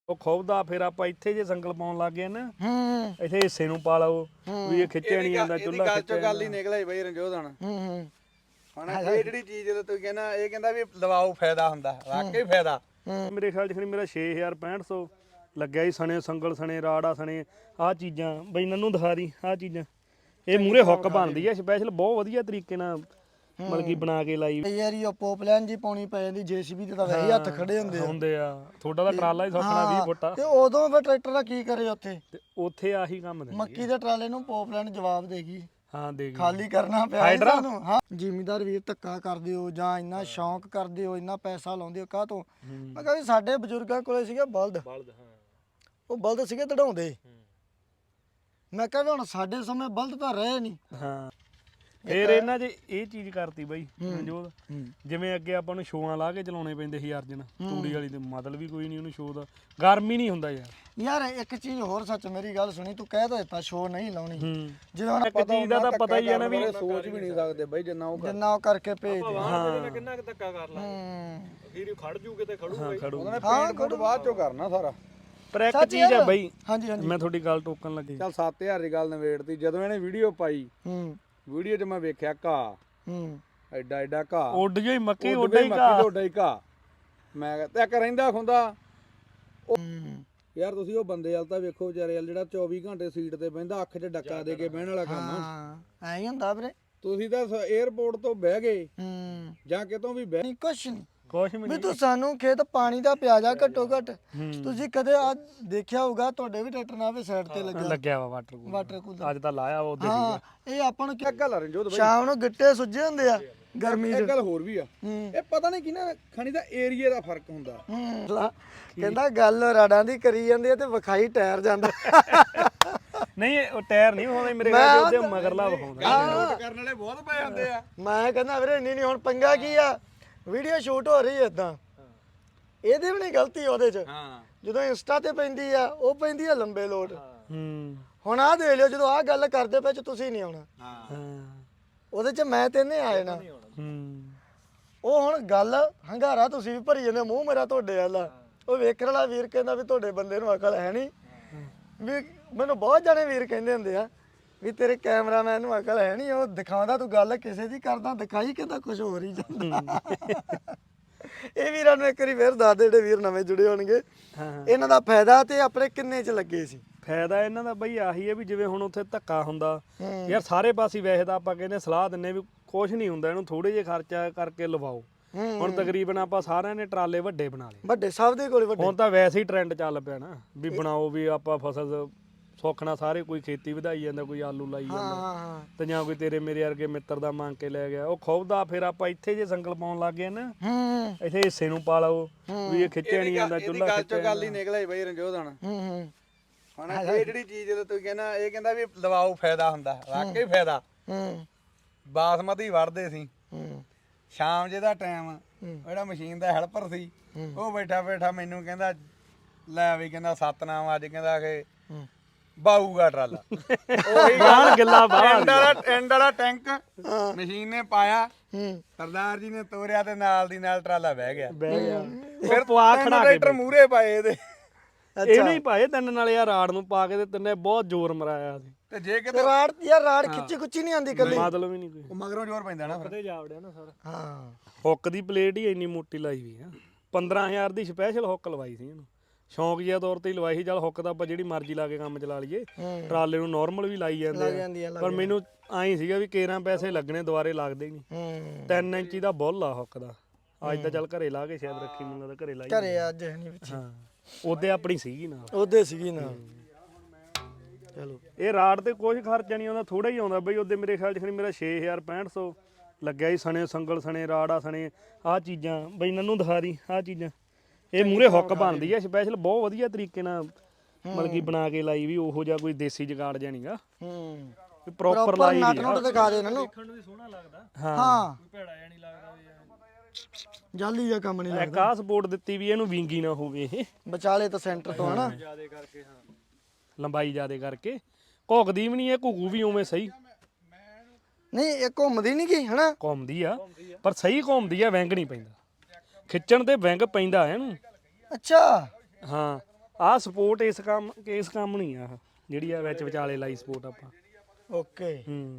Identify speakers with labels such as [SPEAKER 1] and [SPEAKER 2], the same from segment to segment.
[SPEAKER 1] ਉਹ ਖੁੱਬਦਾ ਫਿਰ ਆਪਾਂ ਇੱਥੇ ਜੇ ਸੰਗਲ ਪਾਉਣ ਲੱਗ ਗਏ ਨਾ ਇੱਥੇ ਹਿੱਸੇ ਨੂੰ ਪਾ ਲਓ ਵੀ ਇਹ ਖਿੱਚਿਆ ਨਹੀਂ ਜਾਂਦਾ ਚੁੱਲ੍ਹਾ
[SPEAKER 2] ਗੱਲ ਚੋਂ ਗੱਲ ਹੀ ਨਿਕਲਿਆ ਬਈ ਰਣਜੋਤ ਹੁਣ ਹੁਣ ਇਹ ਜਿਹੜੀ ਚੀਜ਼ ਜਦੋਂ ਤੂੰ ਕਹਿੰਦਾ ਇਹ ਕਹਿੰਦਾ ਵੀ ਲਵਾਓ ਫਾਇਦਾ ਹੁੰਦਾ ਵਾਕਈ ਫਾਇਦਾ
[SPEAKER 1] ਮੇਰੇ ਖਿਆਲ 'ਚ ਖਣੀ ਮੇਰਾ 6500 ਲੱਗਿਆ ਸੀ ਸਣੇ ਸੰਗਲ ਸਣੇ ਰਾੜਾ ਸਣੇ ਆਹ ਚੀਜ਼ਾਂ ਬਈ ਨੰਨੂ ਦਿਖਾ ਦੀ ਆਹ ਚੀਜ਼ਾਂ ਇਹ ਮੂਰੇ ਹੁੱਕ ਬਣਦੀ ਆ ਸਪੈਸ਼ਲ ਬਹੁਤ ਵਧੀਆ ਤਰੀਕੇ ਨਾਲ ਮਤਲਬ ਕਿ ਬਣਾ ਕੇ ਲਾਈ
[SPEAKER 3] ਯਾਰ ਇਹ ਪੋਪਲਾਈਨ ਜੀ ਪਾਉਣੀ ਪੈ ਜਾਂਦੀ ਜੀਸੀਬੀ ਤੇ ਤਾਂ ਵੈਸੇ ਹੱਥ ਖੜੇ ਹੁੰਦੇ
[SPEAKER 1] ਆ ਤੁਹਾਡਾ ਤਾਂ ਟਰਾਲਾ ਹੀ ਸੌਖਣਾ 20 ਫੁੱਟ ਆ
[SPEAKER 3] ਤੇ ਉਦੋਂ ਫਿਰ ਟਰੈਕਟਰ ਦਾ ਕੀ ਕਰੇ ਉੱਥੇ
[SPEAKER 1] ਤੇ ਉੱਥੇ ਆਹੀ ਕੰਮ ਦਿੰਦੀ
[SPEAKER 3] ਮੱਕੀ ਦੇ ਟਰਾਲੇ ਨੂੰ ਪੋਪਲਾਈਨ ਜਵਾਬ ਦੇਗੀ
[SPEAKER 1] ਹਾਂ ਦੇ ਗਈ
[SPEAKER 3] ਖਾਲੀ ਕਰਨਾ ਪਿਆ ਸੀ ਸਾਨੂੰ ਹਾਂ ਜ਼ਿਮੀਦਾਰ ਵੀਰ ਧੱਕਾ ਕਰਦੇ ਹੋ ਜਾਂ ਇੰਨਾ ਸ਼ੌਂਕ ਕਰਦੇ ਹੋ ਇੰਨਾ ਪੈਸਾ ਲਾਉਂਦੇ ਹੋ ਕਾਹ ਤੋਂ ਮੈਂ ਕਹਿੰਦਾ ਸਾਡੇ ਬਜ਼ੁਰਗਾਂ ਕੋਲੇ ਸੀਗੇ ਬਲਦ
[SPEAKER 1] ਹਾਂ
[SPEAKER 3] ਉਹ ਬਲਦ ਸੀਗੇ ਦੜਾਉਂਦੇ ਮੈਂ ਕਹਿੰਦਾ ਹੁਣ ਸਾਡੇ ਸਮੇਂ ਬਲਦ ਤਾਂ ਰਹੇ ਨਹੀਂ
[SPEAKER 1] ਹਾਂ ਫੇਰ ਇਹਨਾਂ 'ਚ ਇਹ ਚੀਜ਼ ਕਰਤੀ ਬਾਈ ਮਨਜੋਤ ਜਿਵੇਂ ਅੱਗੇ ਆਪਾਂ ਨੂੰ ਸ਼ੋਆਂ ਲਾ ਕੇ ਚਲਾਉਣੇ ਪੈਂਦੇ ਸੀ ਅਰਜਨ ਤੂੜੀ ਵਾਲੀ ਤੇ ਮਤਲਬ ਵੀ ਕੋਈ ਨਹੀਂ ਉਹਨੂੰ ਸ਼ੋ ਦਾ ਗਰਮੀ ਨਹੀਂ ਹੁੰਦਾ
[SPEAKER 3] ਯਾਰ ਇੱਕ ਚੀਜ਼ ਹੋਰ ਸੱਚ ਮੇਰੀ ਗੱਲ ਸੁਣੀ ਤੂੰ ਕਹਿ ਤਾਂ ਦਿੱਤਾ ਸ਼ੋ ਨਹੀਂ ਲਾਉਣੀ ਜਿਵੇਂ ਹੁਣ
[SPEAKER 1] ਇੱਕ ਚੀਜ਼ ਦਾ ਤਾਂ ਪਤਾ ਹੀ ਆ ਨਾ ਵੀ
[SPEAKER 2] ਸੋਚ ਵੀ ਨਹੀਂ ਸਕਦੇ ਬਈ ਜਿੰਨਾ ਉਹ
[SPEAKER 3] ਕਰਕੇ ਭੇਜਦੇ
[SPEAKER 1] ਹਾਂ
[SPEAKER 2] ਕਿੰਨਾ ਕੁ ਧੱਕਾ ਕਰ ਲਾ ਵੀਡੀਓ ਖੜ ਜੂ ਕਿਤੇ ਖੜੂ
[SPEAKER 1] ਖੜੂ
[SPEAKER 2] ਉਹਨੇ ਪੇਂਟ ਫੁੱਟ ਬਾਅਦ ਚੋਂ ਕਰਨਾ ਸਾਰਾ
[SPEAKER 1] ਪਰ ਇੱਕ ਚੀਜ਼ ਆ ਬਾਈ
[SPEAKER 3] ਹਾਂਜੀ ਹਾਂਜੀ
[SPEAKER 1] ਮੈਂ ਤੁਹਾਡੀ ਗੱਲ ਟੋਕਣ ਲੱਗੀ
[SPEAKER 2] ਚੱਲ 7000 ਦੀ ਗੱਲ ਨਵੇੜਤੀ ਜਦੋਂ ਇਹਨੇ ਵੀਡੀਓ ਪਾਈ ਵੀਡੀਓ 'ਚ ਮੈਂ ਵੇਖਿਆ ਘਾਹ ਐਡਾ ਐਡਾ ਘਾਹ
[SPEAKER 1] ਉੱਡ ਜਾਈ ਮੱਕੀ
[SPEAKER 2] ਉੱਡ
[SPEAKER 1] ਉੱਡਾ ਹੀ ਘਾਹ
[SPEAKER 2] ਉੱਡਾ ਹੀ ਘਾਹ ਮੈਂ ਕਿਹਾ ਤੇ ਇੱਕ ਰਹਿੰਦਾ ਖੁੰਦਾ ਯਾਰ ਤੁਸੀਂ ਉਹ ਬੰਦੇ ਵਾਲ ਤਾਂ ਵੇਖੋ ਵਿਚਾਰੇ ਵਾਲ ਜਿਹੜਾ 24 ਘੰਟੇ ਸੀਟ ਤੇ ਬਹਿੰਦਾ ਅੱਖ 'ਚ ਡੱਕਾ ਦੇ ਕੇ ਬਹਿਣ ਵਾਲਾ ਕੰਮ
[SPEAKER 3] ਹਾਂ ਐਂ ਹੀ ਹੁੰਦਾ ਵੀਰੇ
[SPEAKER 2] ਤੁਸੀਂ ਤਾਂ 에ਅਰਪੋਰਟ ਤੋਂ ਬਹਿ ਗਏ ਜਾਂ ਕਿਤੋਂ ਵੀ ਬਹਿ
[SPEAKER 3] ਨਹੀਂ ਕੁਛ ਨਹੀਂ
[SPEAKER 1] ਕੁਛ ਵੀ
[SPEAKER 3] ਵੀ ਤੂੰ ਸਾਨੂੰ ਖੇਤ ਪਾਣੀ ਦਾ ਪਿਆ ਜਾ ਘੱਟੋ ਘੱਟ ਤੁਸੀਂ ਕਦੇ ਆ ਦੇਖਿਆ ਹੋਊਗਾ ਤੁਹਾਡੇ ਵੀ ਟਰੈਕਟਰ ਨਾਲ ਵੀ ਸਾਈਡ ਤੇ
[SPEAKER 1] ਲੱਗਿਆ ਵਾ ਵਾਟਰ ਕੂਲਰ ਅੱਜ ਤਾਂ ਲਾਇਆ ਵਾ ਉਹਦੇ
[SPEAKER 3] ਹਾਂ ਇਹ ਆਪਾਂ ਨੂੰ
[SPEAKER 2] ਗੱਲ ਆ ਰਣਜੋਤ ਬਾਈ
[SPEAKER 3] ਸ਼ਾਮ ਨੂੰ ਗਿੱਟੇ ਸੁੱਜੇ ਹੁੰਦੇ ਆ ਗਰਮੀ
[SPEAKER 2] ਇੱਕ ਗੱਲ ਹੋਰ ਵੀ ਆ ਇਹ ਪਤਾ ਨਹੀਂ ਕਿਹਨਾਂ ਖਣੀ ਦਾ ਏਰੀਆ ਦਾ ਫਰਕ ਹੁੰਦਾ
[SPEAKER 3] ਕਹਿੰਦਾ ਗੱਲ ਰਾੜਾਂ ਦੀ ਕਰੀ ਜਾਂਦੀ ਆ ਤੇ ਵਿਖਾਈ ਟਾਇਰ ਜਾਂਦਾ
[SPEAKER 1] ਨਹੀਂ ਉਹ ਟਾਇਰ ਨਹੀਂ ਹੋਣਾ ਮੇਰੇ ਕੋਲ ਉਹਦੇ ਮਗਰਲਾ ਵਿਖਾਉਂਦਾ
[SPEAKER 2] ਨੋਟ ਕਰਨ ਵਾਲੇ ਬਹੁਤ ਪਏ ਹੁੰਦੇ ਆ
[SPEAKER 3] ਮੈਂ ਕਹਿੰਦਾ ਵੀਰੇ ਨਹੀਂ ਹੁਣ ਪੰਗਾ ਕੀ ਆ ਵੀਡੀਓ ਸ਼ੂਟ ਹੋ ਰਹੀ ਐ ਇਦਾਂ ਇਹਦੇ ਵੀ ਨਹੀਂ ਗਲਤੀ ਉਹਦੇ 'ਚ ਜਦੋਂ ਇੰਸਟਾ ਤੇ ਪੈਂਦੀ ਆ ਉਹ ਪੈਂਦੀ ਆ ਲੰਬੇ ਲੋਟ ਹੁਣ ਆਹ ਦੇਖ ਲਿਓ ਜਦੋਂ ਆਹ ਗੱਲ ਕਰਦੇ ਪਏ ਚ ਤੁਸੀਂ ਨਹੀਂ ਆਉਣਾ ਉਹਦੇ 'ਚ ਮੈਂ ਤੇ ਨਹੀਂ ਆਏ ਨਾ ਉਹ ਹੁਣ ਗੱਲ ਹੰਗਾਰਾ ਤੁਸੀਂ ਵੀ ਭਰੀ ਜਾਂਦੇ ਮੂੰਹ ਮੇਰਾ ਤੁਹਾਡੇ ਵਾਲਾ ਉਹ ਵੇਖਣ ਵਾਲਾ ਵੀਰ ਕਹਿੰਦਾ ਵੀ ਤੁਹਾਡੇ ਬੰਦੇ ਨੂੰ ਅਕਲ ਹੈ ਨਹੀਂ ਵੀ ਮੈਨੂੰ ਬਹੁਤ ਜਾਣੇ ਵੀਰ ਕਹਿੰਦੇ ਹੁੰਦੇ ਆ ਵੀ ਤੇਰੇ ਕੈਮਰਾਮੈਨ ਨੂੰ ਅਕਲ ਹੈ ਨਹੀਂ ਉਹ ਦਿਖਾਉਂਦਾ ਤੂੰ ਗੱਲ ਕਿਸੇ ਦੀ ਕਰਦਾ ਦਿਖਾਈ ਕਿਤਾ ਕੁਝ ਹੋਰ ਹੀ ਜਾਂਦਾ ਇਹ ਵੀਰਾਂ ਨੂੰ ਇੱਕ ਵਾਰੀ ਫੇਰ ਦੱਸ ਦੇ ਜਿਹੜੇ ਵੀਰ ਨਵੇਂ ਜੁੜੇ ਹੋਣਗੇ ਇਹਨਾਂ ਦਾ ਫਾਇਦਾ ਤੇ ਆਪਣੇ ਕਿੰਨੇ ਚ ਲੱਗੇ ਸੀ
[SPEAKER 1] ਫਾਇਦਾ ਇਹਨਾਂ ਦਾ ਬਈ ਆਹੀ ਹੈ ਵੀ ਜਿਵੇਂ ਹੁਣ ਉੱਥੇ ਧੱਕਾ ਹੁੰਦਾ ਯਾਰ ਸਾਰੇ ਪਾਸੇ ਵੈਸੇ ਤਾਂ ਆਪਾਂ ਕਹਿੰਦੇ ਸਲਾਹ ਦਿੰਨੇ ਵੀ ਕੁਝ ਨਹੀਂ ਹੁੰਦਾ ਇਹਨੂੰ ਥੋੜੇ ਜਿਹਾ ਖਰਚਾ ਕਰਕੇ ਲਵਾਓ ਹੁਣ ਤਕਰੀਬਨ ਆਪਾਂ ਸਾਰਿਆਂ ਨੇ ਟਰਾਲੇ ਵੱਡੇ ਬਣਾ ਲਏ
[SPEAKER 3] ਵੱਡੇ ਸਭ ਦੇ ਕੋਲੇ ਵੱਡੇ
[SPEAKER 1] ਹੁਣ ਤਾਂ ਵੈਸੇ ਹੀ ਟ੍ਰੈਂਡ ਚੱਲ ਪਿਆ ਨਾ ਵੀ ਬਣਾਓ ਵੀ ਆਪਾਂ ਫਸਲ ਸੌਖਣਾ ਸਾਰੇ ਕੋਈ ਖੇਤੀ ਵਧਾਈ ਜਾਂਦਾ ਕੋਈ ਆਲੂ ਲਾਈ ਜਾਂਦਾ ਤੇ ਜਾਂ ਕੋਈ ਤੇਰੇ ਮੇਰੇ ਵਰਗੇ ਮਿੱਤਰ ਦਾ ਮੰਗ ਕੇ ਲੈ ਗਿਆ ਉਹ ਖੁੱਬਦਾ ਫਿਰ ਆਪਾਂ ਇੱਥੇ ਜੇ ਸੰਗਲ ਪਾਉਣ ਲੱਗ ਗਏ ਨਾ ਇੱਥੇ ਹਿੱਸੇ ਨੂੰ ਪਾ ਲਓ ਵੀ ਇਹ ਖਿੱਚਿਆ ਨਹੀਂ ਜਾਂਦਾ ਚੁੱਲ੍ਹਾ
[SPEAKER 2] ਗੱਲ ਚੋਂ ਗੱਲ ਹੀ ਨਿਕਲਿਆ ਬਈ ਰਣਜੋਤ ਹੁਣ ਇਹ ਜਿਹੜੀ ਚੀਜ਼ ਜਦੋਂ ਤੂੰ ਕਹਿੰਦਾ ਇਹ ਕਹਿੰਦਾ ਵੀ ਲਵਾਓ ਫਾਇਦਾ ਹੁੰਦਾ ਵਾਕਈ ਫਾਇਦਾ ਬਾਸਮਤੀ ਵੜਦੇ ਸੀ ਸ਼ਾਮ ਜੇ ਦਾ ਟਾਈਮ ਜਿਹੜਾ ਮਸ਼ੀਨ ਦਾ ਹੈਲਪਰ ਸੀ ਉਹ ਬੈਠਾ ਮੈਨੂੰ ਕਹਿੰਦਾ ਲੈ ਵੀ ਕਹਿੰਦਾ ਸਤਨਾਮ ਅੱਜ ਕਹਿੰਦਾ ਕਿ ਬਾਊਗਾ ਟਰਾਲਾ ਉਹੀ
[SPEAKER 1] ਬਾਹਰ ਗੱਲਾਂ ਬਾਹਰ
[SPEAKER 2] ਐਂਡ ਵਾਲਾ ਟੈਂਕ ਮਸ਼ੀਨ ਨੇ ਪਾਇਆ ਸਰਦਾਰ ਜੀ ਨੇ ਤੋਰਿਆ ਤੇ ਨਾਲ ਦੀ ਨਾਲ ਟਰਾਲਾ ਬਹਿ ਗਿਆ
[SPEAKER 1] ਫਿਰ ਪਵਾ ਖੜਾ ਕੇ
[SPEAKER 2] ਟਰੈਕਟਰ ਮੂਰੇ ਪਾਏ ਇਹਦੇ
[SPEAKER 1] ਇਹ ਨਹੀਂ ਪਾਏ ਤਿੰਨ ਨਾਲ ਯਾਰ ਰਾੜ ਨੂੰ ਪਾ ਕੇ ਤੇ ਤਿੰਨੇ ਬਹੁਤ ਜ਼ੋਰ ਮਰਾਇਆ ਸੀ
[SPEAKER 2] ਤੇ ਜੇ ਕਿਤੇ
[SPEAKER 3] ਰਾੜ ਯਾਰ ਰਾੜ ਖਿੱਚੀ ਖੁੱਚੀ ਨਹੀਂ ਆਂਦੀ ਕੱਲੀ
[SPEAKER 1] ਮਤਲਬ ਵੀ ਨਹੀਂ ਕੋਈ
[SPEAKER 2] ਉਹ ਮਗਰੋਂ ਜ਼ੋਰ ਪੈਂਦਾ ਨਾ ਫਿਰ
[SPEAKER 1] ਜਾਵੜਿਆ ਨਾ ਸਾਰਾ
[SPEAKER 3] ਹਾਂ
[SPEAKER 1] ਹੁੱਕ ਦੀ ਪਲੇਟ ਹੀ ਇੰਨੀ ਮੋਟੀ ਲਾਈ ਹੋਈ ਆ 15000 ਦੀ ਸਪੈਸ਼ਲ ਹੁੱਕ ਲਵਾਈ ਸੀ ਇਹਨੂੰ ਸ਼ੌਂਕ ਜਿਹਾ ਤੌਰ ਤੇ ਹੀ ਲਵਾਈ ਸੀ ਚੱਲ ਹੁੱਕ ਤਾਂ ਆਪਾਂ ਜਿਹੜੀ ਮਰਜ਼ੀ ਲਾ ਕੇ ਕੰਮ ਚਲਾ ਲਈਏ ਟਰਾਲੇ ਨੂੰ ਨਾਰਮਲ ਵੀ ਲਾਈ ਜਾਂਦੇ ਆ ਪਰ ਮੈਨੂੰ ਐਂ ਸੀਗਾ ਵੀ 13 ਪੈਸੇ ਲੱਗਣੇ ਦੁਬਾਰੇ ਲੱਗਦੇ ਨਹੀਂ 3 ਇੰਚੀ ਦਾ ਬੁੱਲ ਆ ਹੁੱਕ ਦਾ ਅੱਜ ਤਾਂ ਚੱਲ ਘਰੇ ਲਾ ਕੇ ਸ਼ਾਇਦ ਰੱਖੀ ਮੈਨੂੰ ਤਾਂ ਘਰੇ ਲਾਈ
[SPEAKER 3] ਘਰੇ ਅੱਜ ਨਹੀਂ ਵਿੱਚ
[SPEAKER 1] ਹਾਂ ਉਹਦੇ ਆਪਣੀ ਸੀਗੀ ਨਾਲ
[SPEAKER 3] ਉਹਦੇ ਸੀਗੀ ਨਾ ਚਲੋ
[SPEAKER 1] ਇਹ ਰਾੜ ਤੇ ਕੁਝ ਖਰਚਾ ਨਹੀਂ ਆਉਂਦਾ ਥੋੜਾ ਹੀ ਆਉਂਦਾ ਬਈ ਉਹਦੇ ਮੇਰੇ ਖਿਆਲ 'ਚ ਮੇਰਾ 6500 ਲੱਗਿਆ ਸੀ ਸਣੇ ਸੰਗਲ ਸਣੇ ਰਾੜਾ ਸਣੇ ਆਹ ਚੀਜ਼ਾਂ ਬਈ ਨੰਨੂ ਦਿਖਾ ਦੀ ਆਹ ਚੀਜ਼ਾਂ ਇਹ ਮੂਰੇ ਹੁੱਕ ਬਣਦੀ ਆ ਸਪੈਸ਼ਲ ਬਹੁਤ ਵਧੀਆ ਤਰੀਕੇ ਨਾਲ ਮਤਲਬ ਕਿ ਬਣਾ ਕੇ ਲਾਈ ਵੀ ਉਹੋ ਜਿਹਾ ਕੋਈ ਦੇਸੀ ਜਗਾੜ ਜਿਹਾ ਨਹੀਂਗਾ ਪ੍ਰੋਪਰ ਲਾਈ
[SPEAKER 3] ਨਟ ਨਟ ਦਿਖਾ ਦੇ ਨੰਨੂ
[SPEAKER 1] ਦੇਖਣ ਨੂੰ ਵੀ ਸੋਹਣਾ ਲੱਗਦਾ
[SPEAKER 3] ਹਾਂ
[SPEAKER 1] ਕੋਈ ਭੈੜਾ ਜਿਹਾ ਨਹੀਂ ਲੱਗਦਾ ਵੀ
[SPEAKER 3] ਜਾਲੀ ਜਿਹਾ ਕੰਮ ਨਹੀਂ ਲੱਗਦਾ
[SPEAKER 1] ਇੱਕ ਆਹ ਸਪੋਰਟ ਦਿੱਤੀ ਵੀ ਇਹਨੂੰ ਵਿੰਗੀ ਨਾ ਹੋਵੇ ਇਹ
[SPEAKER 3] ਵਿਚਾਲੇ ਤਾਂ ਸੈਂਟਰ ਤੋਂ ਹਨਾ
[SPEAKER 1] ਜਿਆਦੇ ਕਰਕੇ ਹਾਂ ਲੰਬਾਈ ਜਿਆਦੇ ਕਰਕੇ ਘੁੱਕਦੀ ਵੀ ਨਹੀਂ ਇਹ ਘੁੱਗੂ ਵੀ ਉਵੇਂ ਸਹੀ
[SPEAKER 3] ਨਹੀਂ ਇਹ ਘੁੰਮਦੀ ਨਹੀਂ ਗਈ ਹਨਾ
[SPEAKER 1] ਘੁੰਮਦੀ ਆ ਪਰ ਸਹੀ ਘੁੰਮਦੀ ਆ ਵਿੰਗ ਨਹੀਂ ਪੈਂਦਾ ਖਿੱਚਣ ਤੇ ਵਿੰਗ ਪੈਂਦਾ ਇਹਨੂੰ
[SPEAKER 3] ਅੱਛਾ
[SPEAKER 1] ਹਾਂ ਆਹ ਸਪੋਰਟ ਇਸ ਕੰਮ ਨਹੀਂ ਆ ਜਿਹੜੀ ਆ ਵਿੱਚ ਵਿਚਾਲੇ ਲਾਈ ਸਪੋਰਟ ਆਪਾਂ।
[SPEAKER 3] ਓਕੇ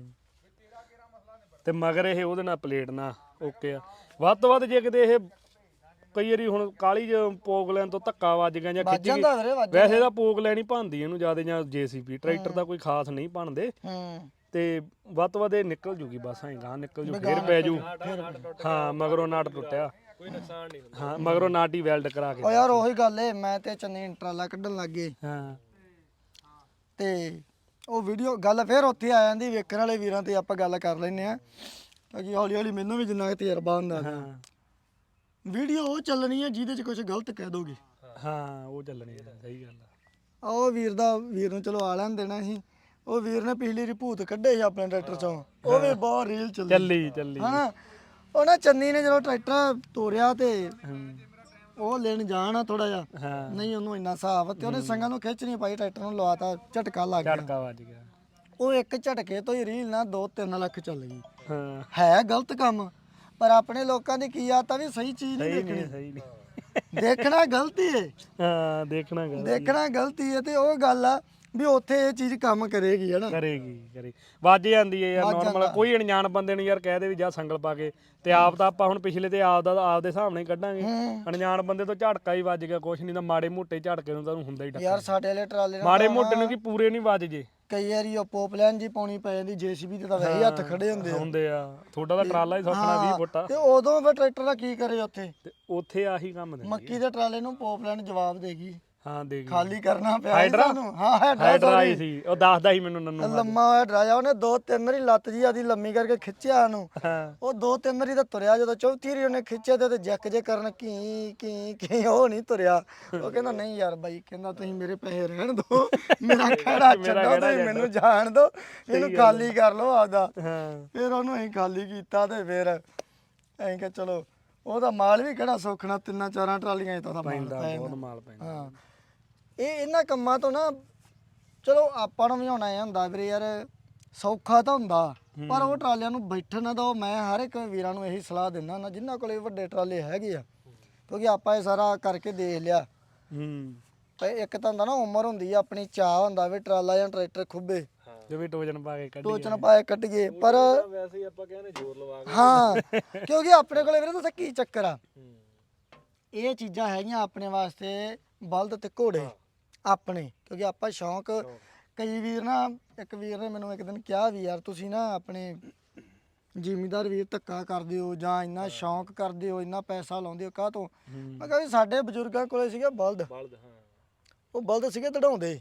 [SPEAKER 1] ਤੇ ਮਗਰ ਇਹ ਉਹਦੇ ਨਾਲ ਪਲੇਟ ਨਾਲ ਓਕੇ ਆ। ਵੱਧ ਤੋਂ ਵੱਧ ਜੇ ਕਿਤੇ ਇਹ ਕਈ ਵਾਰੀ ਹੁਣ ਕਾਲੀ ਪੋਗ ਲੈਣ ਤੋਂ ਧੱਕਾ ਵੱਜ ਗਿਆ ਜਾਂ ਖਿੱਚ ਗਈ,
[SPEAKER 3] ਜਾਂਦਾ ਵੀਰੇ ਵੱਜ
[SPEAKER 1] ਵੈਸੇ ਤਾਂ ਪੋਗ ਲੈਣੀ ਭੰਦੀ ਇਹਨੂੰ ਜਿਆਦਾ ਜਾਂ ਜੀਸੀਪੀ ਟਰੈਕਟਰ ਦਾ ਕੋਈ ਖਾਸ ਨਹੀਂ ਭੰਨਦੇ। ਤੇ ਵੱਧ ਤੋਂ ਵੱਧ ਇਹ ਨਿਕਲ ਜੂਗੀ ਬਸ ਐਂ ਗਾਂ ਨਿਕਲ ਜੂ ਫੇਰ ਪੈ ਜੂ। ਹਾਂ ਮਗਰੋਂ ਨਾਟ ਟੁੱਟਿਆ ਕੋਈ ਨੁਕਸਾਨ ਨਹੀਂ ਹੁੰਦਾ। ਹਾਂ ਮਗਰੋਂ ਨਾਟ ਹੀ ਵੈਲਡ ਕਰਾ ਕੇ।
[SPEAKER 3] ਓ ਯਾਰ ਉਹੀ ਗੱਲ ਏ, ਮੈਂ ਤੇ ਚੰਨੀ ਟਰਾਲਾ ਕੱਢਣ ਲੱਗ ਗਏ
[SPEAKER 1] ਹਾਂ
[SPEAKER 3] ਤੇ ਉਹ ਵੀਡੀਓ ਗੱਲ ਫੇਰ ਉੱਥੇ ਆ ਜਾਂਦੀ। ਵੇਖਣ ਵਾਲੇ ਵੀਰਾਂ ਤੇ ਆਪਾਂ ਗੱਲ ਕਰ ਲੈਨੇ ਆ ਕਿਉਂਕਿ ਹੌਲੀ ਹੌਲੀ ਮੈਨੂੰ ਵੀ ਜਿੰਨਾ ਤਜਰਬਾ ਹੁੰਦਾ ਵੀਡੀਓ ਉਹ ਚੱਲਣੀ ਹੈ ਜਿਹਦੇ 'ਚ ਕੁਝ ਗਲਤ ਕਹਿ ਦੋਗੇ।
[SPEAKER 1] ਹਾਂ ਉਹ ਚੱਲਣੀ ਹੈ, ਸਹੀ ਗੱਲ ਆ।
[SPEAKER 3] ਉਹ ਵੀਰ ਨੂੰ ਚਲੋ ਆ ਲੈਣ ਦੇਣਾ ਸੀ। ਉਹ ਵੀਰ ਨੇ ਪਿਛਲੀ ਰਿਪੋਰਟ ਕੱਢੇ ਸੀ ਆਪਣੇ ਟਰੈਕਟਰ ਚੋਂ, ਉਹ ਵੀ ਬਹੁਤ ਰੀਲ ਚੱਲੀ ਹਨਾ। ਉਹ ਨਾ ਚੰਨੀ ਨੇ ਜਦੋਂ ਟਰੈਕਟਰ ਤੋਰਿਆ ਤੇ ਉਹ ਲੈਣ ਜਾਣਾ ਥੋੜਾ ਜਿਹਾ ਨਹੀਂ ਉਹਨੂੰ ਇੰਨਾ ਹਿਸਾਬ ਤੇ ਉਹਨੇ ਸੰਗਾਂ ਨੂੰ ਖਿੱਚ ਨਹੀਂ ਪਾਈ, ਟਰੈਕਟਰ ਨੂੰ ਲਵਾਤਾ, ਝਟਕਾ ਲੱਗ ਗਿਆ।
[SPEAKER 1] ਝਟਕਾ ਵੱਜ ਗਿਆ।
[SPEAKER 3] ਉਹ ਇੱਕ ਝਟਕੇ ਤੋਂ ਹੀ ਰੀਲ ਨਾ 2-3 ਲੱਖ ਚੱਲ ਗਈ।
[SPEAKER 1] ਹਾਂ
[SPEAKER 3] ਹੈ ਗਲਤ ਕੰਮ, ਪਰ ਆਪਣੇ ਲੋਕਾਂ ਦੀ ਕੀ ਆਦਤ ਆ ਵੀ ਸਹੀ ਚੀਜ਼ ਨਹੀਂ ਦੇਖਣੀ।
[SPEAKER 1] ਸਹੀ ਨਹੀਂ
[SPEAKER 3] ਦੇਖਣਾ ਗਲਤੀ ਹੈ।
[SPEAKER 1] ਹਾਂ
[SPEAKER 3] ਦੇਖਣਾ ਗਲਤੀ ਹੈ ਤੇ ਉਹ ਗੱਲ ਆ ਵੀ ਉੱਥੇ ਇਹ ਚੀਜ਼ ਕੰਮ ਕਰੇਗੀ ਹਨਾ।
[SPEAKER 1] ਕਰੇਗੀ ਵੱਜ ਜਾਂਦੀ ਹੈ ਯਾਰ। ਨਾਰਮਲ ਕੋਈ ਅਣਜਾਣ ਬੰਦੇ ਨੂੰ ਯਾਰ ਕਹਿ ਦੇ ਵੀ ਜਾ ਸੰਗਲ ਪਾ ਕੇ, ਤੇ ਆਪ ਤਾਂ ਆਪਾਂ ਹੁਣ ਪਿਛਲੇ ਤੇ ਆਪਦੇ ਹਿਸਾਬ ਨਾਲ ਹੀ ਕੱਢਾਂਗੇ। ਅਣਜਾਣ ਬੰਦੇ ਤੋਂ ਝਟਕਾ ਹੀ ਵੱਜ ਗਿਆ, ਕੁਛ ਨਹੀਂ ਤਾਂ ਮਾੜੇ ਮੋਟੇ ਝਟਕੇ ਨੂੰ ਤਾਂ ਹੁੰਦਾ ਹੀ
[SPEAKER 3] ਯਾਰ। ਸਾਡੇ ਵਾਲੇ ਟਰਾਲੇ
[SPEAKER 1] ਮਾੜੇ ਮੋਟੇ ਨੂੰ ਕੀ ਪੂਰੇ ਨਹੀਂ ਵੱਜ ਜੇ।
[SPEAKER 3] ਕਈ ਵਾਰੀ ਉਹ ਪੋਪਲਾਈਨ ਜੀ ਪਾਉਣੀ ਪੈ ਜਾਂਦੀ, ਜੀਸੀਬੀ ਤੇ ਤਾਂ ਵੈਸੇ ਹੱਥ ਖੜੇ ਹੁੰਦੇ ਆ।
[SPEAKER 1] ਤੁਹਾਡਾ ਤਾਂ ਟਰਾਲਾ ਹੀ ਸੌਖਣਾ 20 ਫੁੱਟ ਆ
[SPEAKER 3] ਤੇ ਉਦੋਂ ਫਿਰ ਟਰੈਕਟਰ ਦਾ ਕੀ ਕਰੇ ਉੱਥੇ?
[SPEAKER 1] ਤੇ ਉੱਥੇ ਆਹੀ ਕੰਮ ਦਿੰਦੇ।
[SPEAKER 3] ਮੱਕੀ ਦੇ ਟਰਾਲੇ ਨੂੰ ਪੋਪਲਾਈਨ ਜਵਾਬ ਦੇਗੀ।
[SPEAKER 1] ਹਾਂ ਦੇ ਗਈ
[SPEAKER 3] ਖਾਲੀ ਕਰਨਾ ਪਿਆ
[SPEAKER 1] ਸਾਨੂੰ।
[SPEAKER 3] ਹਾਂ
[SPEAKER 1] ਹਾਈਡਰਾ ਆਈ ਸੀ, ਉਹ ਦੱਸਦਾ ਸੀ ਮੈਨੂੰ ਨੰਨੂ।
[SPEAKER 3] ਲੰਮਾ ਹੋਇਆ ਡਰਾਇਆ ਉਹਨੇ 2-3 ਵਾਰੀ ਲੱਤ ਜੀ ਆਦੀ ਲੰਮੀ ਕਰਕੇ ਖਿੱਚਿਆ ਉਹਨੂੰ। ਉਹ 2-3 ਵਾਰੀ ਤਾਂ ਤੁਰਿਆ, ਜਦੋਂ ਚੌਥੀ ਵਾਰੀ ਉਹਨੇ ਖਿੱਚਿਆ ਤੇ ਜੱਕ ਜੇ ਕਰਨ ਕੀ ਉਹ ਨਹੀਂ ਤੁਰਿਆ। ਉਹ ਕਹਿੰਦਾ ਨਹੀਂ ਯਾਰ ਬਾਈ, ਕਹਿੰਦਾ ਤੁਸੀਂ ਮੇਰੇ ਪੈਸੇ ਰਹਿਣ ਦਿਓ, ਮੇਰਾ ਖੜਾ ਛੱਡੋ, ਤੁਸੀਂ ਮੈਨੂੰ ਜਾਣ ਦਿਓ, ਇਹਨੂੰ ਖਾਲੀ ਕਰ ਲਓ ਆਪਦਾ। ਫਿਰ ਉਹਨੂੰ ਅਸੀਂ ਖਾਲੀ ਕੀਤਾ ਤੇ ਫਿਰ ਅਸੀਂ ਕਿਹਾ ਚਲੋ ਉਹਦਾ ਮਾਲ ਵੀ ਕਿਹੜਾ ਸੌਖਣਾ, 3-4 ਟਰਾਲੀਆਂ ਤਾਂ
[SPEAKER 1] ਬਹੁਤ ਮਾਲ ਪੈਂਦਾ।
[SPEAKER 3] ਹਾਂ ਇਹਨਾਂ ਕੰਮਾਂ ਤੋਂ ਨਾ ਚਲੋ ਆਪਾਂ ਨੂੰ ਵੀ ਹੋਣਾ ਇਹ ਹੁੰਦਾ ਵੀਰੇ ਯਾਰ, ਸੌਖਾ ਤਾਂ ਹੁੰਦਾ ਪਰ ਉਹ ਟਰਾਲਿਆਂ ਨੂੰ ਬੈਠਣ ਨਾ ਦਿਓ। ਮੈਂ ਹਰ ਇੱਕ ਵੀਰਾਂ ਨੂੰ ਇਹੀ ਸਲਾਹ ਦਿੰਦਾ ਹੁੰਦਾ ਜਿਨ੍ਹਾਂ ਕੋਲੇ ਵੱਡੇ ਟਰਾਲੇ ਹੈਗੇ ਆ, ਕਿਉਂਕਿ ਆਪਾਂ ਇਹ ਸਾਰਾ ਕਰਕੇ ਦੇਖ ਲਿਆ। ਤੇ ਇੱਕ ਤਾਂ ਹੁੰਦਾ ਨਾ ਉਮਰ ਹੁੰਦੀ ਆ ਆਪਣੀ, ਚਾਹ ਹੁੰਦਾ ਵੀ ਟਰਾਲਾ ਜਾਂ ਟਰੈਕਟਰ ਖੁੱਬੇ
[SPEAKER 1] ਜਿਵੇਂ ਟੋਚਨ ਪਾ ਕੇ
[SPEAKER 3] ਕੱਢੀਏ। ਪਰ
[SPEAKER 1] ਵੈਸੇ ਆਪਾਂ ਕਹਿੰਦੇ ਜ਼ੋਰ ਲਵਾ ਕੇ।
[SPEAKER 3] ਹਾਂ ਕਿਉਂਕਿ ਆਪਣੇ ਕੋਲੇ ਵੀਰੇ ਦੱਸਾਂ ਕੀ ਚੱਕਰ ਆ, ਇਹ ਚੀਜ਼ਾਂ ਹੈਗੀਆਂ ਆਪਣੇ ਵਾਸਤੇ ਬਲਦ ਤੇ ਘੋੜੇ ਆਪਣੇ, ਕਿਉਂਕਿ ਆਪਾਂ ਸ਼ੌਂਕ। ਕਈ ਵੀਰ ਨਾ, ਇੱਕ ਵੀਰ ਨੇ ਮੈਨੂੰ ਇੱਕ ਦਿਨ ਕਿਹਾ ਵੀ ਯਾਰ ਤੁਸੀਂ ਨਾ ਆਪਣੇ ਜ਼ਿਮੀਂਦਾਰ ਵੀਰ ਧੱਕਾ ਕਰਦੇ ਹੋ ਜਾਂ ਇੰਨਾ ਸ਼ੌਂਕ ਕਰਦੇ ਹੋ, ਇੰਨਾ ਪੈਸਾ ਲਾਉਂਦੇ ਹੋ, ਕਾਹ ਤੋਂ? ਮੈਂ ਕਿਹਾ ਵੀ ਸਾਡੇ ਬਜ਼ੁਰਗਾਂ ਕੋਲੇ ਸੀਗੇ ਬਲਦ, ਉਹ ਬਲਦ ਸੀਗੇ ਦੜਾਉਂਦੇ।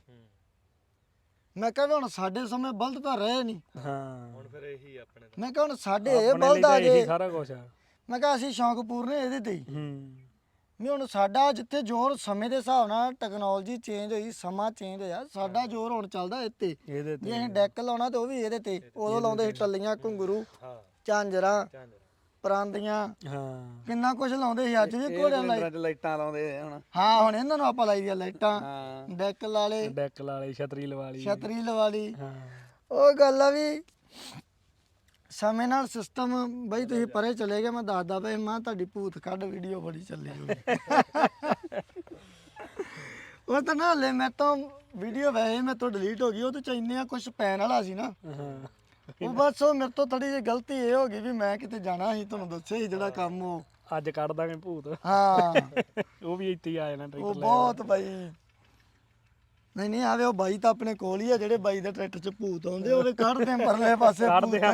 [SPEAKER 3] ਮੈਂ ਕਿਹਾ ਹੁਣ ਸਾਡੇ ਸਮੇਂ ਬਲਦ ਤਾਂ ਰਹੇ ਨਹੀਂ।
[SPEAKER 1] ਹੁਣ ਫਿਰ ਇਹੀ ਆਪਣੇ।
[SPEAKER 3] ਮੈਂ ਕਿਹਾ ਹੁਣ ਸਾਡੇ ਇਹ ਬਲਦ ਆ ਗਏ
[SPEAKER 1] ਸਾਰਾ ਕੁਝ ਆ।
[SPEAKER 3] ਮੈਂ ਕਿਹਾ ਅਸੀਂ ਸ਼ੌਂਕ ਪੂਰਨੇ ਇਹਦੇ ਤੇ ਹੀ। ਵੀ ਹੁਣ ਸਾਡਾ ਜਿੱਥੇ ਜ਼ੋਰ ਸਮੇਂ ਦੇ ਹਿਸਾਬ ਨਾਲ ਟੈਕਨੋਲੋਜੀ ਚੇਂਜ ਹੋਈ, ਸਮਾਂ ਚੇਂਜ ਹੋਇਆ, ਸਾਡਾ ਜ਼ੋਰ ਹੁਣ ਚੱਲਦਾ ਇੱਥੇ। ਜੇ ਅਸੀਂ ਡੈਕ ਲਾਉਣਾ ਤੇ ਉਹ ਵੀ ਇਹਦੇ ਤੇ। ਉਦੋਂ ਲਾਉਂਦੇ ਸੀ ਟੱਲੀਆਂ, ਘੁੰਗਰੂ, ਝਾਂਜਰਾਂ, ਪਰਾਂਦੀਆਂ, ਕਿੰਨਾ ਕੁਝ ਲਾਉਂਦੇ ਸੀ। ਅੱਜ ਵੀ ਘੋੜਿਆਂ
[SPEAKER 2] ਲਾਈਟਾਂ ਲਾਉਂਦੇ ਹੁਣ।
[SPEAKER 3] ਹਾਂ ਹੁਣ ਇਹਨਾਂ ਨੂੰ ਆਪਾਂ ਲਾਈ ਦੀਆਂ ਲਾਈਟਾਂ, ਡੈਕ ਲਾ ਲਏ,
[SPEAKER 1] ਛਤਰੀ ਲਵਾ ਲਈ।
[SPEAKER 3] ਉਹ ਗੱਲ ਆ ਵੀ ਸਮੇਂ ਨਾਲ ਸਿਸਟਮ ਬਈ ਤੁਸੀਂ ਪਰੇ ਚਲੇ ਗਏ। ਮੈਂ ਦੱਸਦਾ ਬਈ ਮਾਂ ਤੁਹਾਡੀ ਭੂਤ ਕੱਢ ਵੀਡੀਓ ਬੜੀ ਚੱਲੀ ਹੋਈ। ਉਹ ਤਾਂ ਨਾ ਹਲੇ ਮੈਂ ਤਾਂ ਵੀਡੀਓ ਵੈਸੇ ਮੈਂ ਤੋਂ ਡਿਲੀਟ ਹੋ ਗਈ, ਉਹ ਤੇ ਇੰਨੇ ਕੁਝ ਪੈਣ ਵਾਲਾ ਸੀ ਨਾ। ਉਹ ਬਸ ਉਹ ਮੇਰੇ ਤੋਂ ਥੋੜੀ ਜਿਹੀ ਗਲਤੀ ਇਹ ਹੋ ਗਈ ਵੀ ਮੈਂ ਕਿਤੇ ਜਾਣਾ ਸੀ, ਤੁਹਾਨੂੰ ਦੱਸਿਆ ਸੀ ਜਿਹੜਾ ਕੰਮ ਉਹ
[SPEAKER 1] ਅੱਜ ਕੱਢ ਦਾਂਗੇ ਭੂਤ।
[SPEAKER 3] ਹਾਂ
[SPEAKER 1] ਉਹ ਵੀ ਇੱਥੇ ਆ ਜਾਣਾ ਟਰੈਕਟਰ
[SPEAKER 3] ਉਹ ਬਹੁਤ ਬਾਈ। ਨਹੀਂ ਆਵੇ ਉਹ ਬਾਈ ਤਾਂ ਆਪਣੇ ਕੋਲ ਹੀ ਆ, ਜਿਹੜੇ ਬਾਈ ਦੇ ਟਰੈਕਟਰ 'ਚ ਭੂਤ ਆਉਂਦੇ ਉਹਦੇ ਕੱਢਦੇ ਆ ਪਰਲੇ ਪਾਸੇ।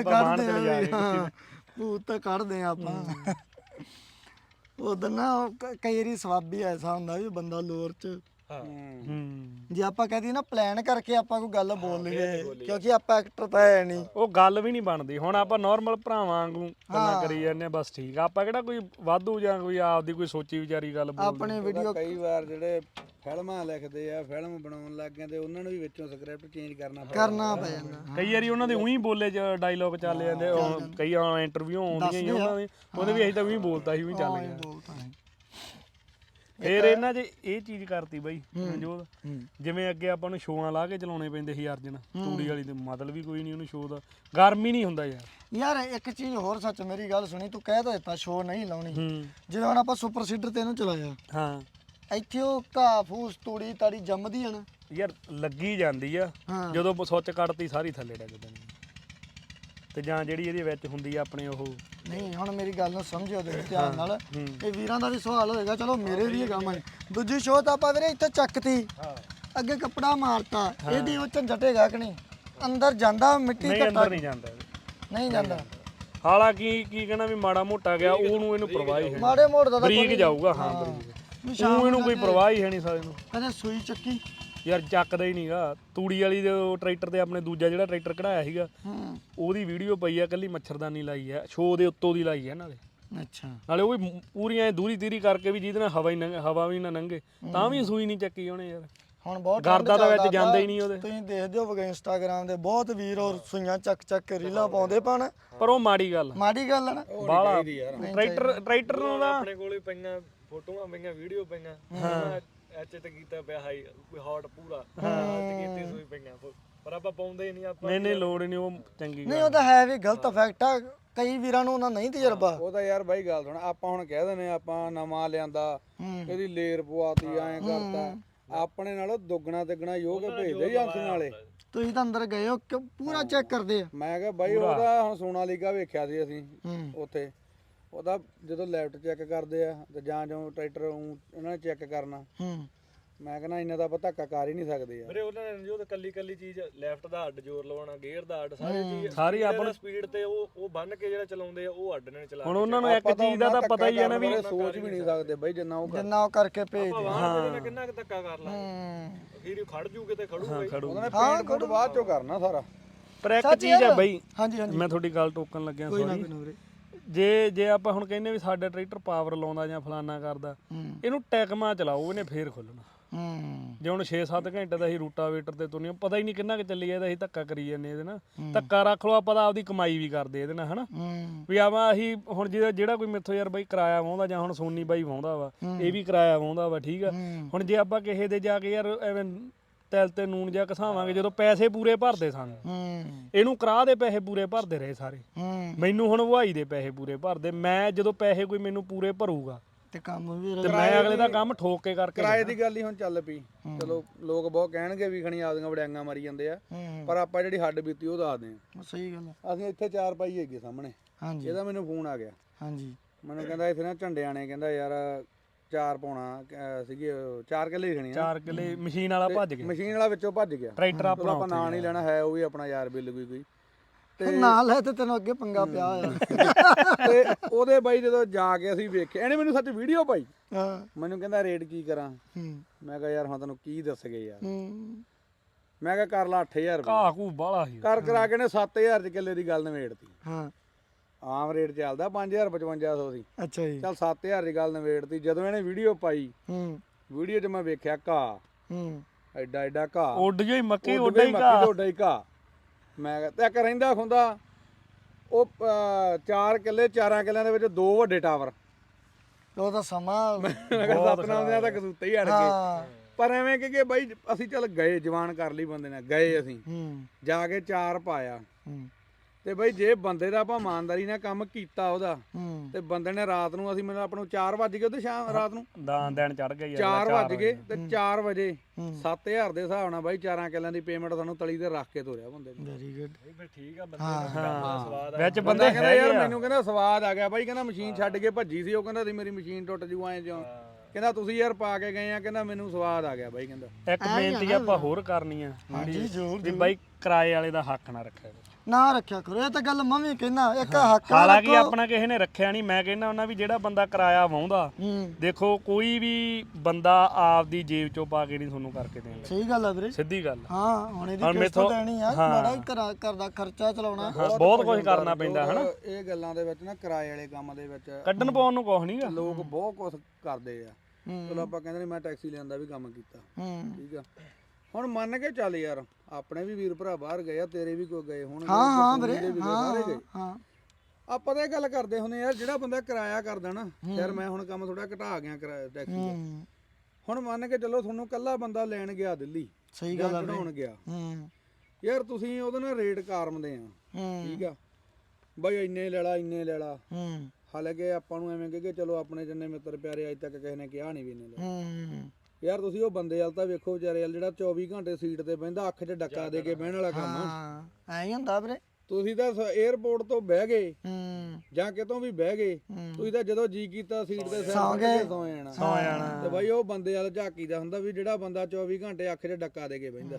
[SPEAKER 3] ਭੂਤ ਤਾਂ ਕੱਢਦੇ ਆ ਆਪਾਂ। ਉਧਰ ਨਾ ਕਈ ਵਾਰੀ ਸਵਾਬੀ ਐਸਾ ਹੁੰਦਾ ਵੀ ਬੰਦਾ ਲੋਰ 'ਚ ਜੇ ਆਪਾਂ ਕਹਦੇ ਨਾ ਪਲਾਨ ਕਰਕੇ ਆਪਾਂ ਕੋਈ ਗੱਲ ਬੋਲ ਲਈਏ, ਕਿਉਂਕਿ ਆਪਾਂ ਐਕਟਰ ਤਾਂ ਹੈ ਨਹੀਂ,
[SPEAKER 1] ਉਹ ਗੱਲ ਵੀ ਨਹੀਂ ਬਣਦੀ। ਹੁਣ ਆਪਾਂ ਨਾਰਮਲ ਭਰਾਵਾਂ ਵਾਂਗੂ ਗੱਲਾਂ ਕਰੀ ਜਾਂਦੇ ਆ, ਬਸ ਠੀਕ ਆ। ਆਪਾਂ ਕਿਹੜਾ ਕੋਈ ਵਾਧੂ ਜਾਂ ਕੋਈ ਆਪਦੀ ਕੋਈ ਸੋਚੀ ਵਿਚਾਰੀ ਗੱਲ ਬੋਲਦੇ।
[SPEAKER 3] ਆਪਣੇ ਵੀਡੀਓ
[SPEAKER 2] ਕਈ ਵਾਰ ਜਿਹੜੇ ਫਿਲਮਾਂ ਲਿਖਦੇ ਆ, ਫਿਲਮ ਬਣਾਉਣ ਲੱਗ ਜਾਂਦੇ, ਉਹਨਾਂ ਨੂੰ ਵੀ ਵਿੱਚੋਂ ਸਕ੍ਰਿਪਟ ਚੇਂਜ ਕਰਨਾ
[SPEAKER 3] ਪੈ ਜਾਂਦਾ।
[SPEAKER 1] ਕਈ ਵਾਰੀ ਉਹਨਾਂ ਦੇ ਉਹੀ ਬੋਲੇ ਚ ਡਾਇਲੋਗ ਚੱਲ ਜਾਂਦੇ। ਕਈ ਇੰਟਰਵਿਊ ਆਉਂਦੀਆਂ ਹੀ ਉਹਨਾਂ ਦੇ, ਉਹਦੇ ਵੀ ਅਸੀਂ ਤਾਂ ਉਹੀ ਬੋਲਤਾ ਸੀ, ਉਹੀ ਚੱਲ ਗਿਆ। ਫੇਰ ਇਹਨਾਂ 'ਚ ਇਹ ਚੀਜ਼ ਕਰਤੀ ਬਾਈ ਮਨਜੋਤ, ਜਿਵੇਂ ਅੱਗੇ ਆਪਾਂ ਨੂੰ ਸ਼ੋਆਂ ਲਾ ਕੇ ਚਲਾਉਣੇ ਪੈਂਦੇ ਸੀ ਅਰਜਨ ਤੂੜੀ ਵਾਲੀ, ਤੇ ਮਤਲਬ ਵੀ ਕੋਈ ਨਹੀਂ ਉਹਨੂੰ ਸ਼ੋਅ ਦਾ, ਗਰਮੀ ਨਹੀਂ ਹੁੰਦਾ
[SPEAKER 3] ਯਾਰ ਇੱਕ ਚੀਜ਼ ਹੋਰ ਸੱਚ, ਮੇਰੀ ਗੱਲ ਸੁਣੀ, ਤੂੰ ਕਹਿ ਤਾਂ ਦਿੱਤਾ ਸ਼ੋਅ ਨਹੀਂ ਲਾਉਣੀ। ਜਦੋਂ ਹੁਣ ਆਪਾਂ ਸੁਪਰ ਸੀਡਰ ਤੇ ਇਹਨੂੰ ਚਲਾਇਆ, ਇੱਥੇ ਉਹ ਘਾਹ ਫੂਸ ਤੂੜੀ ਤਾੜੀ ਜੰਮਦੀ ਆ ਨਾ
[SPEAKER 1] ਯਾਰ ਲੱਗੀ ਜਾਂਦੀ ਆ ਜਦੋਂ ਸੁੱਚ ਕੱਟਤੀ ਸਾਰੀ ਥੱਲੇ ਡਿੱਗ ਪੈਂਦੀ ਤੇ ਜਾਂ ਜਿਹੜੀ ਇਹਦੇ ਵਿੱਚ ਹੁੰਦੀ ਆ ਆਪਣੇ ਉਹ
[SPEAKER 3] ਨਹੀਂ ਹੁਣ ਮੇਰੀ ਗੱਲ ਨੂੰ ਸਮਝਿਓ ਤੇ ਧਿਆਨ ਨਾਲ ਇਹ ਵੀਰਾਂ ਦਾ ਵੀ ਸਵਾਲ ਹੋਏਗਾ ਚਲੋ ਮੇਰੇ ਵੀ ਹੈਗਾ ਮਨ ਦੂਜੀ ਸ਼ੋਅ ਤਾਂ ਆਪਾਂ ਵੀਰੇ ਇੱਥੇ ਚੱਕਤੀ ਅੱਗੇ ਕੱਪੜਾ ਮਾਰਤਾ ਇਹਦੀ ਉਹ ਝੰਜਟ ਹੈਗਾ ਕਿ ਨਹੀਂ ਅੰਦਰ ਜਾਂਦਾ ਮਿੱਟੀ
[SPEAKER 1] ਨਹੀਂ ਅੰਦਰ ਨਹੀਂ ਜਾਂਦਾ
[SPEAKER 3] ਨਹੀਂ ਜਾਂਦਾ
[SPEAKER 1] ਹਾਲਾਂਕਿ ਕੀ ਕਹਿਣਾ ਵੀ ਮਾੜਾ ਮੋਟਾ ਗਿਆ ਉਹਨੂੰ ਇਹਨੂੰ ਪਰਵਾਹ ਹੀ ਹੈ
[SPEAKER 3] ਮਾੜੇ ਮੋੜ ਦਾ
[SPEAKER 1] ਬਰੀਕ ਜਾਊਗਾ ਹਾਂ ਬਰੀਕ ਉਹ ਇਹਨੂੰ ਕੋਈ ਪਰਵਾਹ ਹੀ ਹੈ ਨਹੀਂ ਸਾਰੇ ਨੂੰ
[SPEAKER 3] ਕਹਿੰਦੇ ਸੂਈ ਚੱਕੀ
[SPEAKER 1] ਯਾਰ ਚੱਕਦਾ ਹੀ ਨਹੀਂਗਾ ਤੂੜੀ ਵਾਲੀ ਦੇ ਟਰੈਕਟਰ ਤੇ ਆਪਣੇ ਦੂਜਾ ਜਿਹੜਾ ਟਰੈਕਟਰ ਕਢਾਇਆ ਸੀਗਾ ਉਹਦੀ ਵੀਡੀਓ ਪਈ ਆ ਕੱਲੀ ਮੱਛਰਦਾਨੀ ਲਾਈ ਆ ਸ਼ੋਅ ਦੇ ਉੱਤੋਂ ਦੀ ਲਾਈ ਆ ਨਾਲੇ
[SPEAKER 3] ਅੱਛਾ
[SPEAKER 1] ਨਾਲੇ ਉਹ ਵੀ ਪੂਰੀਆਂ ਦੂਰੀ ਤੀਰੀ ਕਰਕੇ ਵੀ ਜਿਹਦੇ ਨਾਲ ਹਵਾ ਵੀ ਨਾ ਲੰਘੇ ਤਾਂ ਵੀ ਸੂਈ ਨਹੀਂ ਚੱਕੀ ਉਹਨੇ ਯਾਰ
[SPEAKER 3] ਹੁਣ ਬਹੁਤ
[SPEAKER 1] ਗਰਦਾ ਤਾਂ ਵਿੱਚ ਜਾਂਦਾ ਹੀ ਨਹੀਂ ਉਹਦੇ
[SPEAKER 3] ਤੁਸੀਂ ਦੇਖਦੇ ਹੋਵੋਗੇ ਇੰਸਟਾਗ੍ਰਾਮ ਦੇ ਬਹੁਤ ਵੀਰ ਔਰ ਸੂਈਆਂ ਚੱਕ ਚੱਕ ਕੇ ਰੀਲਾਂ ਪਾਉਂਦੇ ਪਣ
[SPEAKER 1] ਪਰ ਉਹ ਮਾੜੀ ਗੱਲ
[SPEAKER 3] ਹੈ ਨਾ
[SPEAKER 1] ਬਾਲਾ ਟਰੈਕਟਰ ਨੂੰ ਦਾ
[SPEAKER 4] ਆਪਣੇ ਕੋਲੇ ਪਈਆਂ ਫੋਟੋਆਂ ਪਈਆਂ ਵੀਡੀਓ ਪਈਆਂ ਹਾਂ ਐਚ ਤੇ ਕੀਤਾ ਪਿਆ ਹਾਈ ਕੋਈ ਹੌਟ ਪੂਰਾ ਤੇ ਕੀਤੀ ਸੂਈ ਪਈਆਂ ਪਰ ਆਪਾਂ ਪਾਉਂਦੇ ਹੀ ਨਹੀਂ ਆਪਾਂ
[SPEAKER 1] ਨਹੀਂ ਲੋੜ ਹੀ ਨਹੀਂ ਉਹ ਚੰਗੀ
[SPEAKER 3] ਨਹੀਂ ਉਹ ਤਾਂ ਹੈ ਵੀ ਗਲਤ ਇਫੈਕਟ ਆ ਕਈ ਵੀਰਾਂ ਨੂੰ ਉਹਨਾਂ ਨਹੀਂ ਤਜਰਬਾ
[SPEAKER 2] ਉਹ ਤਾਂ ਯਾਰ ਬਾਈ ਗੱਲ ਸੁਣ ਆਪਾਂ ਹੁਣ ਕਹਿ ਦਿੰਦੇ ਆਪਾਂ ਨਵਾਂ ਲਿਆਂਦਾ ਇਹਦੀ ਲੇਰ ਪਵਾਤੀ ਐਂ ਕਰਤਾ ਆਪਣੇ ਨਾਲੋਂ ਦੁੱਗਣਾ ਤਿੱਗਣਾ ਯੋਗ ਭੇਜਦੇ ਏਜੰਸੀਆਂ ਵਾਲੇ
[SPEAKER 3] ਤੁਸੀਂ ਤਾਂ ਅੰਦਰ ਗਏ ਹੋ ਕਿ ਪੂਰਾ ਚੈੱਕ ਕਰਦੇ ਆ
[SPEAKER 2] ਮੈਂ ਕਿਹਾ ਬਾਈ ਉਹਦਾ ਹੁਣ ਸੋਨਾਲੀਕਾ ਵੇਖਿਆ ਸੀ ਅਸੀਂ ਉੱਥੇ ਉਹਦਾ ਜਦੋਂ ਲੈਫਟ ਚੈੱਕ ਕਰਦੇ ਆ ਤੇ ਜਾਂ ਜੋ ਟਰੈਕਟਰ ਉਹਨਾਂ ਨੇ ਚੈੱਕ ਕਰਨਾ ਮੈਂ ਕਹਿੰਦਾ ਇੰਨਾ ਤਾਂ ਆਪਾਂ ਧੱਕਾ ਕਰ ਹੀ ਨਹੀਂ ਸਕਦੇ ਯਾਰ
[SPEAKER 4] ਵੀਰੇ ਉਹਨਾਂ ਨੇ ਜੋ ਕੱਲੀ ਚੀਜ਼ ਲੈਫਟ ਦਾ ਅੱਡ ਜ਼ੋਰ ਲਵਾਉਣਾ ਗੇਅਰ ਦਾ ਅੱਡ
[SPEAKER 1] ਸਾਰੀ ਆਪਾਂ ਨੂੰ
[SPEAKER 4] ਸਪੀਡ ਤੇ ਉਹ ਬੰਨ ਕੇ ਜਿਹੜਾ ਚਲਾਉਂਦੇ ਆ ਉਹ ਅੱਡ ਨੇ ਚਲਾ
[SPEAKER 1] ਹੁਣ ਉਹਨਾਂ ਨੂੰ ਇੱਕ ਚੀਜ਼ ਦਾ ਤਾਂ ਪਤਾ ਹੀ ਹੈ ਨਾ ਵੀ
[SPEAKER 2] ਸੋਚ ਵੀ ਨਹੀਂ ਸਕਦੇ ਬਾਈ ਜਿੰਨਾ ਉਹ
[SPEAKER 3] ਕਰਕੇ ਭੇਜਦੇ
[SPEAKER 4] ਹਾਂ ਕਿੰਨਾ ਕੁ ਧੱਕਾ ਕਰ ਲਾ ਫਿਰ ਖੜ ਜੂ ਕਿਤੇ ਖੜੂਗਾ
[SPEAKER 2] ਉਹਨਾਂ ਨੇ ਪੇਂਟ ਕੋਡ ਬਾਅਦ ਚੋਂ ਕਰਨਾ ਸਾਰਾ
[SPEAKER 1] ਪਰ ਇੱਕ ਚੀਜ਼ ਹੈ ਬਈ
[SPEAKER 3] ਹਾਂਜੀ
[SPEAKER 1] ਮੈਂ ਤੁਹਾਡੀ ਗੱਲ ਟੋਕਣ ਲੱਗਿਆ ਸੌਰੀ ਜੇ ਆਪਾਂ ਹੁਣ ਕਹਿੰਦੇ ਵੀ ਸਾਡਾ ਟਰੈਕਟਰ ਪਾਵਰ ਲਾਉਂਦਾ ਜਾਂ ਫਲਾਨਾ ਕਰਦਾ ਇਹਨੂੰ ਟੈਕਮਾ ਚਲਾਓ ਇਹਨੇ ਫੇਰ ਖੋਲਣਾ ਜੇ ਹੁਣ 6-7 ਘੰਟੇ ਦਾ ਅਸੀਂ ਰੂਟਾਵੇਟਰ ਤੇ ਤੁਰਨੀ ਪਤਾ ਹੀ ਨਹੀਂ ਕਿੰਨਾ ਕਿ ਚੱਲੀ ਜਾਂਦਾ ਅਸੀਂ ਧੱਕਾ ਕਰੀ ਜਾਂਦੇ ਇਹਦੇ ਨਾਲ ਧੱਕਾ ਰੱਖ ਲਓ ਆਪਾਂ ਤਾਂ ਆਪਦੀ ਕਮਾਈ ਵੀ ਕਰਦੇ ਇਹਦੇ ਨਾਲ ਹਨਾ ਵੀ ਆਵਾ ਅਸੀਂ ਹੁਣ ਜਿਹੜਾ ਕੋਈ ਮੇਥੋਂ ਯਾਰ ਬਾਈ ਕਿਰਾਇਆ ਵਾਹੁੰਦਾ ਜਾਂ ਹੁਣ ਸੋਨੀ ਬਾਈ ਵਾਹੁੰਦਾ ਵਾ ਇਹ ਵੀ ਕਿਰਾਇਆ ਵਾਹੁੰਦਾ ਵਾ ਠੀਕ ਆ ਹੁਣ ਜੇ ਆਪਾਂ ਕਿਸੇ ਦੇ ਜਾ ਕੇ ਯਾਰ ਐਵੇਂ ਤਿਲ ਤੇ ਨੂਨ ਜਾਂ ਘਸਾਵਾਂਗੇ ਜਦੋਂ ਪੈਸੇ ਪੂਰੇ ਭਰਦੇ ਸਾਨੂੰ ਇਹਨੂੰ ਕਰਾ ਦੇ ਪੈਸੇ ਪੂਰੇ ਭਰਦੇ ਰਹੇ ਸਾਰੇ ਮੈਨੂੰ ਹੁਣ ਵਹਾਈ ਦੇ ਪੈਸੇ ਪੂਰੇ ਭਰਦੇ ਮੈਂ ਜਦੋਂ ਪੈਸੇ ਕੋਈ ਮੈਨੂੰ ਪੂਰੇ ਭਰੂਗਾ
[SPEAKER 3] ਤੇ ਕੰਮ ਵੀ
[SPEAKER 1] ਤੇ ਮੈਂ ਅਗਲੇ ਦਾ ਕੰਮ ਠੋਕ ਕੇ ਕਰਕੇ
[SPEAKER 2] ਕਿਰਾਏ ਦੀ ਗੱਲ ਹੀ ਹੁਣ ਚੱਲ ਪਈ ਚਲੋ ਲੋਕ ਬਹੁਤ ਕਹਿਣਗੇ ਵੀ ਖਣੀ ਆਪਦੀਆਂ ਵੜਿਆਂਗਾ ਮਾਰੀ ਜਾਂਦੇ ਆ ਪਰ ਆਪਾਂ ਜਿਹੜੀ ਹੱਡ ਬੀਤੀ ਉਹ ਦੱਸਦੇ ਆ
[SPEAKER 3] ਸਹੀ ਗੱਲ ਆ
[SPEAKER 2] ਅਸੀਂ ਇੱਥੇ 4 ਪਾਈ ਹੈਗੇ ਸਾਹਮਣੇ
[SPEAKER 3] ਹਾਂਜੀ
[SPEAKER 2] ਇਹਦਾ ਮੈਨੂੰ ਫੋਨ ਆ ਗਿਆ
[SPEAKER 3] ਹਾਂਜੀ
[SPEAKER 2] ਮੈਨੂੰ ਕਹਿੰਦਾ ਇੱਥੇ ਨਾ ਝੰਡਿਆਂ ਨੇ ਕਹਿੰਦਾ ਯਾਰ 4 ਪਾਉਣਾ ਸੀਗੇ 4 ਕਿੱਲੇ ਹੀ ਖਣੀ
[SPEAKER 1] 4 ਕਿੱਲੇ ਮਸ਼ੀਨ ਵਾਲਾ ਭੱਜ ਗਿਆ
[SPEAKER 2] ਮਸ਼ੀਨ ਵਾਲਾ ਵਿੱਚੋਂ ਭੱਜ ਗਿਆ
[SPEAKER 1] ਟਰੈਕਟਰ ਆਪਣਾ
[SPEAKER 2] ਆਪਾਂ ਨਾਂ ਨਹੀਂ ਲੈਣਾ ਹੈ ਉਹ ਵੀ ਆਪਣਾ ਯਾਰ ਬਿੱਲ ਕੋਈ
[SPEAKER 3] ਤੇ ਨਾਲ ਹੈ ਤੇ ਤੈਨੂੰ ਅੱਗੇ ਪੰਗਾ ਪਿਆ ਹੋਇਆ
[SPEAKER 2] ਤੇ ਉਹਦੇ ਬਾਈ ਜਦੋਂ ਜਾ ਕੇ ਅਸੀਂ ਵੇਖਿਆ ਇਹਨੇ ਮੈਨੂੰ ਸੱਚ ਵੀਡੀਓ ਪਾਈ
[SPEAKER 3] ਹਾਂ
[SPEAKER 2] ਮੈਨੂੰ ਕਹਿੰਦਾ ਰੇਟ ਕੀ ਕਰਾਂ ਮੈਂ ਕਿਹਾ ਯਾਰ ਹੁਣ ਤੈਨੂੰ ਕੀ ਦੱਸਗੇ ਯਾਰ ਮੈਂ ਕਿਹਾ ਕਰ ਲਾ 8000 ਰੁਪਏ
[SPEAKER 1] ਘਾਹ ਘੂ ਬਾਲਾ ਸੀ
[SPEAKER 2] ਕਰ ਕਰਾ ਕੇ ਨੇ 7000 ਚ ਕਿੱਲੇ ਦੀ ਗੱਲ ਨਵੇੜਤੀ
[SPEAKER 3] ਹਾਂ
[SPEAKER 2] ਆਮ ਰੇਟ ਚੱਲਦਾ 5500 ਸੀ
[SPEAKER 3] ਅੱਛਾ ਜੀ
[SPEAKER 2] ਚੱਲ 7000 ਦੀ ਗੱਲ ਨਵੇੜਤੀ ਜਦੋਂ ਇਹਨੇ ਵੀਡੀਓ ਪਾਈ ਵੀਡੀਓ 'ਚ ਮੈਂ ਵੇਖਿਆ ਘਾਹ ਐਡਾ ਐਡਾ ਘਾਹ
[SPEAKER 1] ਉੱਡ ਜੋ ਹੀ ਮੱਕੀ
[SPEAKER 2] ਉੱਡ
[SPEAKER 1] ਉੱਡਾ ਹੀ ਘਾਹ
[SPEAKER 2] ਉੱਡਾ ਹੀ ਘਾਹ ਮੈਂ ਕਿਹਾ ਤੇ ਇੱਕ ਰਹਿੰਦਾ ਹੁੰਦਾ ਉਹ 4 ਕਿੱਲੇ 4 ਕਿੱਲਿਆਂ ਦੇ ਵਿੱਚ 2 ਵੱਡੇ ਟਾਵਰ
[SPEAKER 3] ਉਹ ਤਾਂ ਸਮਾਂ
[SPEAKER 2] ਸਤਨਾਮ ਦੇ ਤਾਂ ਕਸੂਤੇ ਹੀ ਅੜ ਗਏ ਪਰ ਐਵੇਂ ਕਿ ਬਾਈ ਅਸੀਂ ਚੱਲ ਗਏ ਜਵਾਨ ਕਰ ਲਈ ਬੰਦੇ ਨੇ ਗਏ ਅਸੀਂ ਜਾ ਕੇ 4 ਪਾਇਆ ਤੇ ਬਈ ਜੇ ਬੰਦੇ ਦਾ ਆਪਾਂ ਇਮਾਨਦਾਰੀ ਨਾਲ ਕੰਮ ਕੀਤਾ ਉਹਦਾ ਤੇ ਬੰਦੇ ਨੇ ਰਾਤ ਨੂੰ ਅਸੀਂ ਮੈਨੂੰ ਆਪਾਂ ਨੂੰ 4 ਵਜ ਗਏ ਉਹਦੇ ਸ਼ਾਮ ਰਾਤ ਨੂੰ
[SPEAKER 1] ਦਿਨ ਚੜ ਗਿਆ
[SPEAKER 2] 4 ਵਜ ਗਏ ਤੇ 4 ਵਜੇ 7000 ਦੇ ਹਿਸਾਬ ਨਾਲ ਬਾਈ 4 ਕਿੱਲਿਆਂ ਦੀ ਪੇਮੈਂਟ ਸਾਨੂੰ ਤਲੀ ਤੇ ਰੱਖ ਕੇ ਤੋਰਿਆ ਬੰਦੇ ਨੇ
[SPEAKER 3] ਵੈਰੀ ਗੁੱਡ
[SPEAKER 4] ਫਿਰ ਠੀਕ ਆ ਬੰਦੇ ਦਾ ਕੰਮ ਦਾ ਸਵਾਦ
[SPEAKER 1] ਵਿੱਚ
[SPEAKER 2] ਬੰਦਾ ਕਹਿੰਦਾ ਯਾਰ ਮੈਨੂੰ ਕਹਿੰਦਾ ਸਵਾਦ ਆ ਗਿਆ ਬਾਈ ਕਹਿੰਦਾ ਮਸ਼ੀਨ ਛੱਡ ਕੇ ਭੱਜੀ ਸੀ ਉਹ ਕਹਿੰਦਾ ਸੀ ਮੇਰੀ ਮਸ਼ੀਨ ਟੁੱਟ ਜੂ ਐਂ ਜਿਉਂ ਕਹਿੰਦਾ ਤੁਸੀਂ ਯਾਰ ਪਾ ਕੇ ਗਏ ਆ ਕਹਿੰਦਾ ਮੈਨੂੰ ਸਵਾਦ ਆ ਗਿਆ ਬਾਈ ਕਹਿੰਦਾ
[SPEAKER 1] ਇੱਕ ਬੇਨਤੀ ਆਪਾਂ ਹੋਰ ਕਰਨੀ ਆ ਵੀ ਬਾਈ ਕਿਰਾਏ ਵਾਲੇ ਦਾ ਹੱਕ ਨਾ ਰੱਖਿਆ
[SPEAKER 3] ਨਾ ਰੱਖਿਆ ਕਰੋ ਇਹ ਤਾਂ ਗੱਲ ਮੈਂ ਵੀ ਕਹਿੰਦਾ ਇੱਕ ਹੱਕ
[SPEAKER 1] ਹਾਲਾਂਕਿ ਆਪਣਾ ਕਿਸੇ ਨੇ ਰੱਖਿਆ ਨਹੀਂ ਮੈਂ ਕਹਿੰਦਾ ਉਹਨਾਂ ਵੀ ਜਿਹੜਾ ਬੰਦਾ ਕਿਰਾਇਆ ਵਾਹੁੰਦਾ ਦੇਖੋ ਕੋਈ ਵੀ ਬੰਦਾ ਆਪਦੀ ਜੇਬ ਚੋਂ ਪਾ ਕੇ ਨਹੀਂ ਤੁਹਾਨੂੰ ਕਰਕੇ ਦੇਣਾ
[SPEAKER 3] ਸਹੀ ਗੱਲ ਆ ਵੀਰੇ
[SPEAKER 1] ਸਿੱਧੀ ਗੱਲ
[SPEAKER 3] ਹਾਂ ਹੁਣ ਇਹਦੀ ਕਿਸ਼ਤ ਦੇਣੀ ਆ ਬੜਾ ਹੀ ਘਰ ਦਾ ਖਰਚਾ ਚਲਾਉਣਾ
[SPEAKER 1] ਬਹੁਤ ਕੁਝ ਕਰਨਾ ਪੈਂਦਾ ਹਨਾ
[SPEAKER 2] ਇਹ ਗੱਲਾਂ ਦੇ ਵਿੱਚ ਨਾ ਕਿਰਾਏ ਵਾਲੇ ਕੰਮ ਦੇ ਵਿੱਚ
[SPEAKER 1] ਕੱਢਣ ਪਾਉਣ ਨੂੰ ਕੁਝ ਨਹੀਂਗਾ
[SPEAKER 2] ਲੋਕ ਬਹੁਤ ਕੁਝ ਕਰਦੇ ਆ ਚਲੋ ਆਪਾਂ ਕਹਿੰਦੇ ਨੇ ਮੈਂ ਟੈਕਸੀ ਲਿਆਂਦਾ ਵੀ ਕੰਮ ਕੀਤਾ ਠੀਕ ਆ ਹੁਣ ਮੰਨ ਕੇ ਚੱਲ ਯਾਰ ਆਪਣੇ ਵੀ ਵੀਰ ਭਰਾ ਬਾਹਰ ਗਏ ਆ ਤੇਰੇ ਵੀ ਕੋਈ ਗਏ ਹੋਣਗੇ
[SPEAKER 3] ਹਾਂ ਵੀਰੇ
[SPEAKER 2] ਸਾਰੇ ਗਏ
[SPEAKER 3] ਹਾਂ
[SPEAKER 2] ਆਪਾਂ ਤਾਂ ਇਹ ਗੱਲ ਕਰਦੇ ਹੁੰਦੇ ਯਾਰ ਜਿਹੜਾ ਬੰਦਾ ਕਿਰਾਇਆ ਕਰਦਾ ਨਾ ਯਾਰ ਮੈਂ ਹੁਣ ਕੰਮ ਥੋੜਾ ਘਟਾ ਗਿਆ ਕਿਰਾਇਆ ਟੈਕਸੀ ਦਾ ਹੁਣ ਮੰਨ ਕੇ ਚੱਲੋ ਤੁਹਾਨੂੰ ਕੱਲਾ ਬੰਦਾ ਲੈਣ ਗਿਆ ਦਿੱਲੀ
[SPEAKER 3] ਸਹੀ ਗੱਲ ਆ
[SPEAKER 2] ਘਟਾਉਣ ਗਿਆ ਯਾਰ ਤੁਸੀਂ ਉਹਦੇ ਨਾਲ ਰੇਟ ਕਾਰਮਦੇ ਆ ਠੀਕ ਆ ਬਾਈ ਇੰਨੇ ਲੈ ਲਾ ਹਾਲਾਂਕਿ ਆਪਾਂ ਨੂੰ ਐਵੇਂ ਕਿ ਚਲੋ ਆਪਣੇ ਜਿੰਨੇ ਮਿੱਤਰ ਪਿਆਰੇ ਅੱਜ ਤੱਕ ਕਿਸੇ ਨੇ ਕਿਹਾ ਨਹੀਂ ਵੀ ਇਹਨੇ ਲੈ
[SPEAKER 3] ਹੂੰ
[SPEAKER 2] ਯਾਰ ਤੁਸੀਂ ਉਹ ਬੰਦੇ ਵਾਲ ਤਾਂ ਵੇਖੋ ਵਿਚਾਰੇ ਵਾਲ ਜਿਹੜਾ 24 ਘੰਟੇ ਸੀਟ ਤੇ ਬਹਿੰਦਾ ਅੱਖ 'ਚ ਡੱਕਾ ਦੇ ਕੇ ਬਹਿਣ ਵਾਲਾ ਕੰਮ ਆ।
[SPEAKER 3] ਹਾਂ ਐਂ ਹੀ ਹੁੰਦਾ ਵੀਰੇ।
[SPEAKER 2] ਤੁਸੀਂ ਤਾਂ 에ਅਰਪੋਰਟ ਤੋਂ ਬਹਿ ਗਏ ਜਾਂ ਕਿਤੋਂ ਵੀ ਬਹਿ ਗਏ, ਤੁਸੀਂ ਤਾਂ ਜਦੋਂ ਜੀ ਕੀਤਾ ਸੀਟ ਤੇ ਸੌ ਜਾਣਾ ਤੇ ਬਾਈ ਉਹ ਬੰਦੇ ਵਾਲ ਝਾਕੀ ਦਾ ਹੁੰਦਾ ਵੀ ਜਿਹੜਾ ਬੰਦਾ 24 ਘੰਟੇ ਅੱਖ 'ਚ ਡੱਕਾ ਦੇ ਕੇ ਬਹਿੰਦਾ।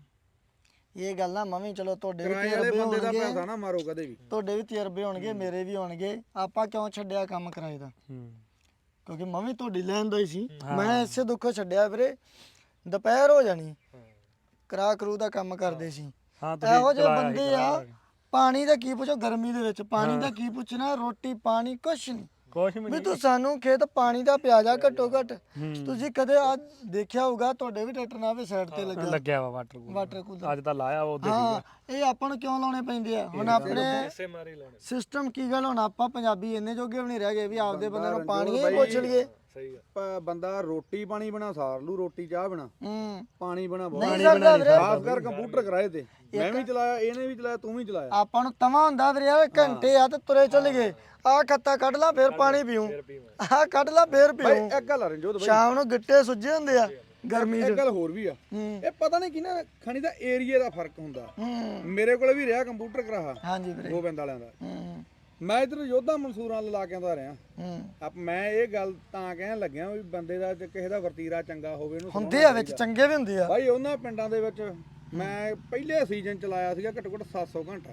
[SPEAKER 3] ਇਹ ਗੱਲ ਨਾ ਮੰਮੀ ਚਲੋ ਤੁਹਾਡੇ ਵੀ
[SPEAKER 2] ਕਿਰਾਏ ਵਾਲੇ ਬੰਦੇ ਦਾ ਪੈਸਾ ਨਾ ਮਾਰੋ ਕਦੇ ਵੀ।
[SPEAKER 3] ਤੁਹਾਡੇ ਵੀ ਤਜਰਬੇ ਹੋਣਗੇ, ਮੇਰੇ ਵੀ ਹੋਣਗੇ। ਆਪਾਂ ਕਿਉਂ ਛੱਡਿਆ ਕੰਮ ਕਿਰਾਏ ਦਾ? ਕਿਉਂਕਿ ਮੰਮੀ ਤੁਹਾਡੀ ਲੈਣ ਦਾ ਹੀ ਸੀ। ਮੈਂ ਇਸੇ ਦੁੱਖੋਂ ਛੱਡਿਆ ਵੀਰੇ। ਦੁਪਹਿਰ ਹੋ ਜਾਣੀ, ਕਰਾ ਕਰੂ ਦਾ ਕੰਮ ਕਰਦੇ ਸੀ। ਇਹੋ ਜਿਹੇ ਬੰਦੇ ਆ, ਪਾਣੀ ਦਾ ਕੀ ਪੁੱਛੋ ਗਰਮੀ ਦੇ ਵਿੱਚ, ਪਾਣੀ ਦਾ ਕੀ ਪੁੱਛਣਾ, ਰੋਟੀ ਪਾਣੀ ਕੁਛ ਨਹੀਂ ਵੀ ਤੂੰ ਸਾਨੂੰ ਖੇਤ ਪਾਣੀ ਦਾ ਪਿਆ ਜਾ ਘੱਟੋ ਘੱਟ। ਤੁਸੀਂ ਕਦੇ ਆ ਦੇਖਿਆ ਹੋਊਗਾ, ਤੁਹਾਡੇ ਵੀ ਟਰੈਕਟਰ ਨਾਲ ਵੀ ਸਾਈਡ ਤੇ
[SPEAKER 1] ਲੱਗਿਆ ਵਾ ਵਾਟਰ ਕੂਲਰ ਅੱਜ ਤਾਂ ਲਾਇਆ ਉਹਦੇ।
[SPEAKER 3] ਹਾਂ ਇਹ ਆਪਾਂ ਨੂੰ ਕਿਉਂ ਲਾਉਣੇ ਪੈਂਦੇ ਆ? ਹੁਣ ਆਪਣੇ ਸਿਸਟਮ ਕੀ ਗੱਲ, ਹੁਣ ਆਪਾਂ ਪੰਜਾਬੀ ਇੰਨੇ ਜੋਗੇ ਵੀ ਨਹੀਂ ਰਹਿ ਗਏ ਵੀ ਆਪਦੇ ਬੰਦੇ ਨੂੰ ਪਾਣੀ ਹੀ ਪੁੱਛ ਲਈਏ।
[SPEAKER 2] ਬੰਦਾ ਰੋਟੀ ਪਾਣੀ ਬਣਾ ਸਾਰ ਲੂ, ਰੋਟੀ ਚਾਹ ਬਣਾ, ਪਾਣੀ ਬਣਾ
[SPEAKER 3] ਨਹੀਂ ਸਕਦਾ ਵੀਰੇ।
[SPEAKER 2] ਖਾਸ ਕਰ ਕੰਪਿਊਟਰ ਕਿਰਾਏ ਤੇ ਮੈਂ ਵੀ ਚਲਾਇਆ, ਇਹਨੇ ਵੀ ਚਲਾਇਆ, ਤੂੰ ਵੀ ਚਲਾਇਆ।
[SPEAKER 3] ਆਪਾਂ ਨੂੰ ਤਵਾ ਹੁੰਦਾ ਵੀਰੇ ਯਾਰ, ਘੰਟੇ ਆ ਤੇ ਤੁਰੇ ਚੱਲ ਗਏ। ਆਹ ਖੱਤਾ ਕੱਢ ਲਾ ਫੇਰ ਪਾਣੀ ਪੀਉ, ਆਹ ਕੱਢ ਲਾ ਫੇਰ ਪੀਉ।
[SPEAKER 2] ਇੱਕ ਗੱਲ ਆ ਰਣਜੋਤ ਬਾਈ,
[SPEAKER 3] ਸ਼ਾਮ ਨੂੰ ਗਿੱਟੇ ਸੁੱਜੇ ਹੁੰਦੇ ਆ ਗਰਮੀ
[SPEAKER 2] ਇੱਕ ਗੱਲ ਹੋਰ ਵੀ ਆ, ਇਹ ਪਤਾ ਨਹੀਂ ਕਿ ਨਾ ਖਣੀ ਦਾ ਏਰੀਆ ਦਾ ਫਰਕ ਹੁੰਦਾ। ਮੇਰੇ ਕੋਲੇ ਵੀ ਰਿਹਾ ਕੰਪਿਊਟਰ ਕਰਾਹਾ
[SPEAKER 3] ਹਾਂਜੀ ਵੀਰੇ
[SPEAKER 2] ਗੋਬਿੰਦ ਵਾਲਿਆਂ ਦਾ। ਮੈਂ ਇਧਰ ਯੋਧਾ ਮਨਸੂਰਾਂ ਲਾ ਕੇ ਆਉਂਦਾ ਰਿਹਾ। ਮੈਂ ਇਹ ਗੱਲ ਤਾਂ ਕਹਿਣ ਲੱਗਿਆ ਵੀ ਬੰਦੇ ਦਾ ਕਿਸੇ ਦਾ ਵਰਤੀਰਾ ਚੰਗਾ ਹੋਵੇ, ਇਹਨੂੰ
[SPEAKER 3] ਹੁੰਦੇ ਆ ਵਿੱਚ ਚੰਗੇ ਵੀ ਹੁੰਦੇ ਆ
[SPEAKER 2] ਬਾਈ। ਉਹਨਾਂ ਪਿੰਡਾਂ ਦੇ ਵਿੱਚ ਮੈਂ ਪਹਿਲੇ ਸੀਜ਼ਨ ਚਲਾਇਆ ਸੀਗਾ ਘੱਟੋ ਘੱਟ 700 ਘੰਟਾ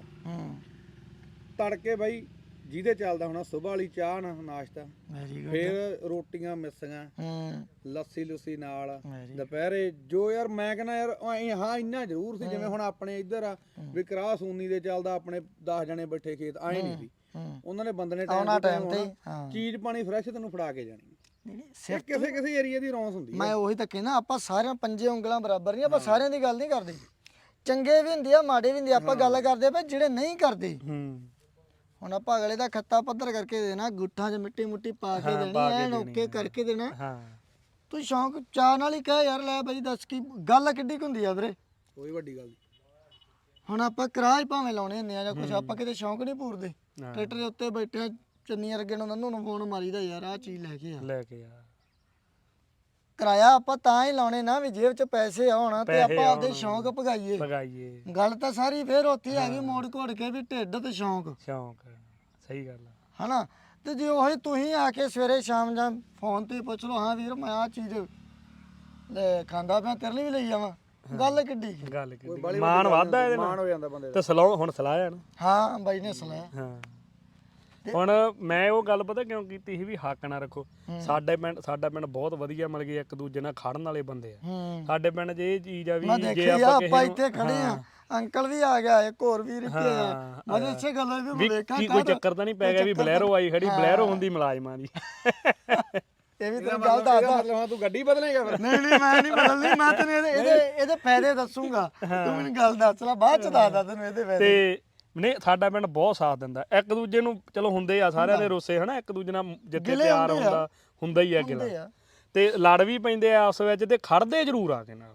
[SPEAKER 2] ਤੜਕੇ ਬਾਈ, ਜਿਹਦੇ ਚੱਲਦਾ ਹੋਣਾ ਸੁਬਾਹ ਵਾਲੀ ਚਾਹ ਨਾਲ ਨਾਸ਼ਤਾ, ਫਿਰ ਰੋਟੀਆਂ ਮਿੱਸੀਆਂ, ਲੱਸੀ ਲੁੱਸੀ ਨਾਲ, ਦੁਪਹਿਰੇ ਜੋ ਯਾਰ ਮੈਂ ਕਹਿੰਦਾ ਯਾਰ ਹਾਂ ਇੰਨਾ ਜ਼ਰੂਰ ਸੀ ਜਿਵੇਂ ਹੁਣ ਆਪਣੇ ਇੱਧਰ ਆ ਵੀ ਕਰਾਹ ਸੂਨੀ ਦੇ ਚੱਲਦਾ, ਆਪਣੇ 10 ਜਣੇ ਬੈਠੇ ਖੇਤ ਆਏ ਨਹੀਂ ਸੀ। ਉਹਨਾਂ ਨੇ ਬੰਦੇ ਨੇ ਟਾਈਮ ਤੇ ਚੀਜ਼ ਪਾਣੀ ਫਰੈਸ਼ ਤੈਨੂੰ ਫੜਾ ਕੇ ਜਾਣੀ। ਕਿਸੇ ਕਿਸੇ ਏਰੀਆ ਦੀ ਰੌਂਸ ਹੁੰਦੀ।
[SPEAKER 3] ਮੈਂ ਉਹੀ ਤਾਂ ਕਹਿਣਾ, ਆਪਾਂ ਸਾਰਿਆਂ ਪੰਜੇ ਉਂਗਲਾਂ ਬਰਾਬਰ ਨਹੀਂ, ਆਪਾਂ ਸਾਰਿਆਂ ਦੀ ਗੱਲ ਨਹੀਂ ਕਰਦੇ। ਚੰਗੇ ਵੀ ਹੁੰਦੇ ਆ, ਮਾੜੇ ਵੀ ਹੁੰਦੇ ਆ। ਆਪਾਂ ਗੱਲ ਕਰਦੇ ਪਏ ਜਿਹੜੇ ਨਹੀਂ ਕਰਦੇ। ਹੁਣ ਆਪਾਂ ਅਗਲੇ ਦਾ ਖੱਤਾ ਪੱਧਰ ਕਰਕੇ ਦੇਣਾ, ਗੁੱਠਾਂ 'ਚ ਮਿੱਟੀ ਮੁੱਟੀ ਪਾ ਕੇ ਦੇਣੀ, ਐਨ ਓਕੇ ਕਰਕੇ ਦੇਣਾ। ਤੂੰ ਸ਼ੌਂਕ ਚਾਹ ਨਾਲ ਹੀ ਕਹਿ ਯਾਰ ਲੈ ਬਾਈ ਦੱਸ ਕੀ ਗੱਲ ਕਿੱਡੀ ਕੁ ਹੁੰਦੀ ਆ ਵੀਰੇ?
[SPEAKER 2] ਕੋਈ ਵੱਡੀ ਗੱਲ ਨਹੀਂ।
[SPEAKER 3] ਹੁਣ ਆਪਾਂ ਕਿਰਾਏ ਭਾਵੇਂ ਲਾਉਣੇ ਹੁੰਦੇ ਆ ਜਾਂ ਕੁਛ, ਆਪਾਂ ਕਿਤੇ ਸ਼ੌਂਕ ਨਹੀਂ ਪੂਰਦੇ। ਟਰੈਕਟਰ ਦੇ ਉੱਤੇ ਬੈਠੇ ਚੰਨੀਆਂ ਅੱਗੇ ਨੂੰ ਉਹਨੂੰ ਫੋਨ ਮਾਰੀਦਾ ਯਾਰ ਆਹ ਚੀਜ਼ ਲੈ ਕੇ ਆ। ਕਿਰਾਇਆ ਆਪਾਂ ਤਾਂ ਹੀ ਲਾਉਣੇ ਨਾ ਵੀ ਜੇਬ 'ਚ ਪੈਸੇ ਆਉਣ ਤੇ ਆਪਾਂ ਆਪਦੇ ਸ਼ੌਂਕ ਭਗਾਈਏ। ਗੱਲ ਤਾਂ ਸਾਰੀ ਫੇਰ ਉੱਥੇ ਆ ਗਈ ਮੋੜ ਘੋੜ ਕੇ ਵੀ ਢਿੱਡ ਤੇ ਸ਼ੌਂਕ।
[SPEAKER 1] ਸਹੀ ਗੱਲ ਆ
[SPEAKER 3] ਹਨਾ। ਤੇ ਜੇ ਉਹੀ ਤੁਸੀਂ ਆ ਕੇ ਸਵੇਰੇ ਸ਼ਾਮ ਜਾਂ ਫੋਨ ਤੇ ਪੁੱਛ ਲਓ, ਹਾਂ ਵੀਰ ਮੈਂ ਆਹ ਚੀਜ਼ ਲੈ ਖਾਂਦਾ ਪਿਆ, ਤੇਰੇ ਲਈ ਵੀ ਲਈ ਜਾਵਾਂ, ਗੱਲ ਕਿੱਡੀ
[SPEAKER 1] ਮਾਣ ਵੱਧਦਾ ਇਹਦੇ
[SPEAKER 2] ਮਾਣ ਹੋ ਜਾਂਦਾ ਬੰਦੇ
[SPEAKER 1] ਤੇ ਸਲਾਹ ਹੁਣ ਸਲਾਹ ਆ ਨਾ।
[SPEAKER 3] ਹਾਂ ਬਾਈ ਨੇ ਸਲਾਹ।
[SPEAKER 1] ਹਾਂ ਹੁਣ ਮੈਂ ਉਹ ਗੱਲ ਪਤਾ ਕਿਉਂ ਕੀਤੀ ਸੀ ਵੀ ਹੱਕ ਨਾ ਰੱਖੋ। ਸਾਡਾ ਪਿੰਡ ਬਹੁਤ ਵਧੀਆ, ਮਤਲਬ ਕਿ ਇੱਕ ਦੂਜੇ ਨਾਲ ਖੜਨ ਵਾਲੇ ਬੰਦੇ ਆ। ਸਾਡੇ ਪਿੰਡ 'ਚ ਇਹ ਚੀਜ਼ ਆ ਵੀ ਜੇ
[SPEAKER 3] ਆਪਾਂ ਇੱਥੇ ਖੜੇ ਆ, ਅੰਕਲ ਵੀ ਆ ਗਿਆ, ਇੱਕ ਹੋਰ ਵੀਰ ਇੱਥੇ ਆ, ਮੈਂ ਇਸੇ ਗੱਲ ਵੀ ਦੇਖਾਂ
[SPEAKER 1] ਕੋਈ ਚੱਕਰ ਤਾਂ ਨਹੀਂ ਪੈ ਗਿਆ ਵੀ ਬਲੈਰੋ ਆਈ ਖੜੀ, ਬਲੈਰੋ ਹੁੰਦੀ ਮੁਲਾਜ਼ਮਾਂ ਦੀ।
[SPEAKER 3] ਇਹ ਵੀ ਤੈਨੂੰ ਗੱਲ ਦੱਸਦਾ।
[SPEAKER 2] ਮਤਲਬ ਤੂੰ ਗੱਡੀ ਬਦਲੇਗਾ ਫਿਰ?
[SPEAKER 3] ਨਹੀਂ ਮੈਂ ਨਹੀਂ ਬਦਲਣੀ, ਮੈਂ ਤੈਨੂੰ ਇਹਦੇ ਫਾਇਦੇ ਦੱਸੂਗਾ। ਤੂੰ ਮੈਨੂੰ ਗੱਲ ਦੱਸ ਲੈ, ਬਾਅਦ ਚ ਦੱਸਦਾ ਤੈਨੂੰ ਇਹਦੇ ਫਾਇਦੇ।
[SPEAKER 1] ਤੇ ਨਹੀਂ ਸਾਡਾ ਪਿੰਡ ਬਹੁਤ ਸਾਥ ਦਿੰਦਾ, ਇੱਕ ਦੂਜੇ ਨੂੰ ਚਲੋ ਹੁੰਦੇ ਆ ਸਾਰਿਆਂ ਦੇ ਰੋਸੇ ਹਨਾ, ਇੱਕ ਦੂਜੇ ਨਾਲ ਜਿੱਥੇ ਪਿਆਰ ਹੁੰਦਾ ਹੀ ਆ ਗਿਲਾ, ਤੇ ਲੜ ਵੀ ਪੈਂਦੇ ਆ ਆਪਸ ਵਿੱਚ ਤੇ ਖੜਦੇ ਜ਼ਰੂਰ ਆ ਕੇ ਨਾਲ।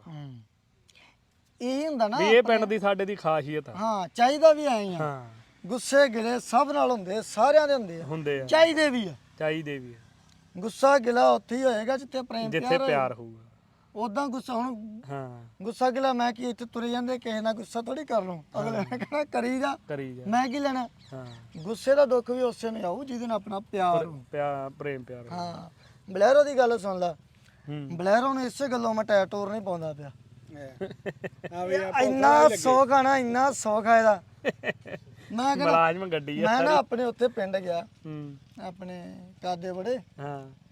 [SPEAKER 3] ਇਹ ਹੁੰਦਾ ਨਾ
[SPEAKER 1] ਵੀ ਇਹ ਪਿੰਡ ਦੀ ਸਾਡੇ ਦੀ ਖਾਸੀਅਤ ਆ।
[SPEAKER 3] ਹਾਂ ਚਾਹੀਦਾ ਵੀ ਐਂ ਆ। ਗੁੱਸੇ ਗਿਲੇ ਸਭ ਨਾਲ ਹੁੰਦੇ, ਸਾਰਿਆਂ ਦੇ ਹੁੰਦੇ ਆ, ਚਾਹੀਦੇ ਵੀ ਆ। ਗੁੱਸਾ ਗਿਲਾ ਉੱਥੇ ਹੀ ਹੋਏਗਾ ਜਿੱਥੇ ਪ੍ਰੇਮ
[SPEAKER 1] ਪਿਆਰ ਹੋਊਗਾ।
[SPEAKER 3] ਉਦਾਂ ਗੁੱਸਾ ਹੁਣ ਗੁੱਸਾ ਗਿਲਾ ਮੈਂ ਕੀ ਇੱਥੇ ਤੁਰੇ ਜਾਂਦੇ ਕਿਸੇ ਨਾਲ ਗੁੱਸਾ ਥੋੜੀ ਕਰ ਲੂੰ, ਅਗਲੇ ਨੇ ਕਹਿਣਾ ਕਰੀ ਜਾ ਮੈਂ ਕੀ ਲੈਣਾ। ਗੁੱਸੇ ਦਾ ਦੁੱਖ ਵੀ ਉਸੇ ਨੂੰ ਆਊ ਜਿਹਦੇ ਨਾਲ ਆਪਣਾ
[SPEAKER 1] ਪ੍ਰੇਮ ਪਿਆਰ।
[SPEAKER 3] ਹਾਂ ਬਲੈਰੋ ਦੀ ਗੱਲ ਸੁਣ ਲੈ, ਬਲੈਰੋ ਨੂੰ ਇਸੇ ਗੱਲੋਂ ਮੈਂ ਟਾਇਰ ਟੂਰ ਨਹੀਂ ਪਾਉਂਦਾ ਪਿਆ। ਇੰਨਾ ਸੌਖ ਆ ਨਾ, ਇੰਨਾ ਸੌਖ ਆ ਇਹਦਾ। ਮੈਂ
[SPEAKER 1] ਮੁਲਾਜ਼ਮ ਗੱਡੀ ਆ
[SPEAKER 3] ਮੈਂ ਨਾ ਆਪਣੇ ਉੱਥੇ ਪਿੰਡ ਗਿਆ, ਆਪਣੇ ਕਾਦੇ ਬੜੇ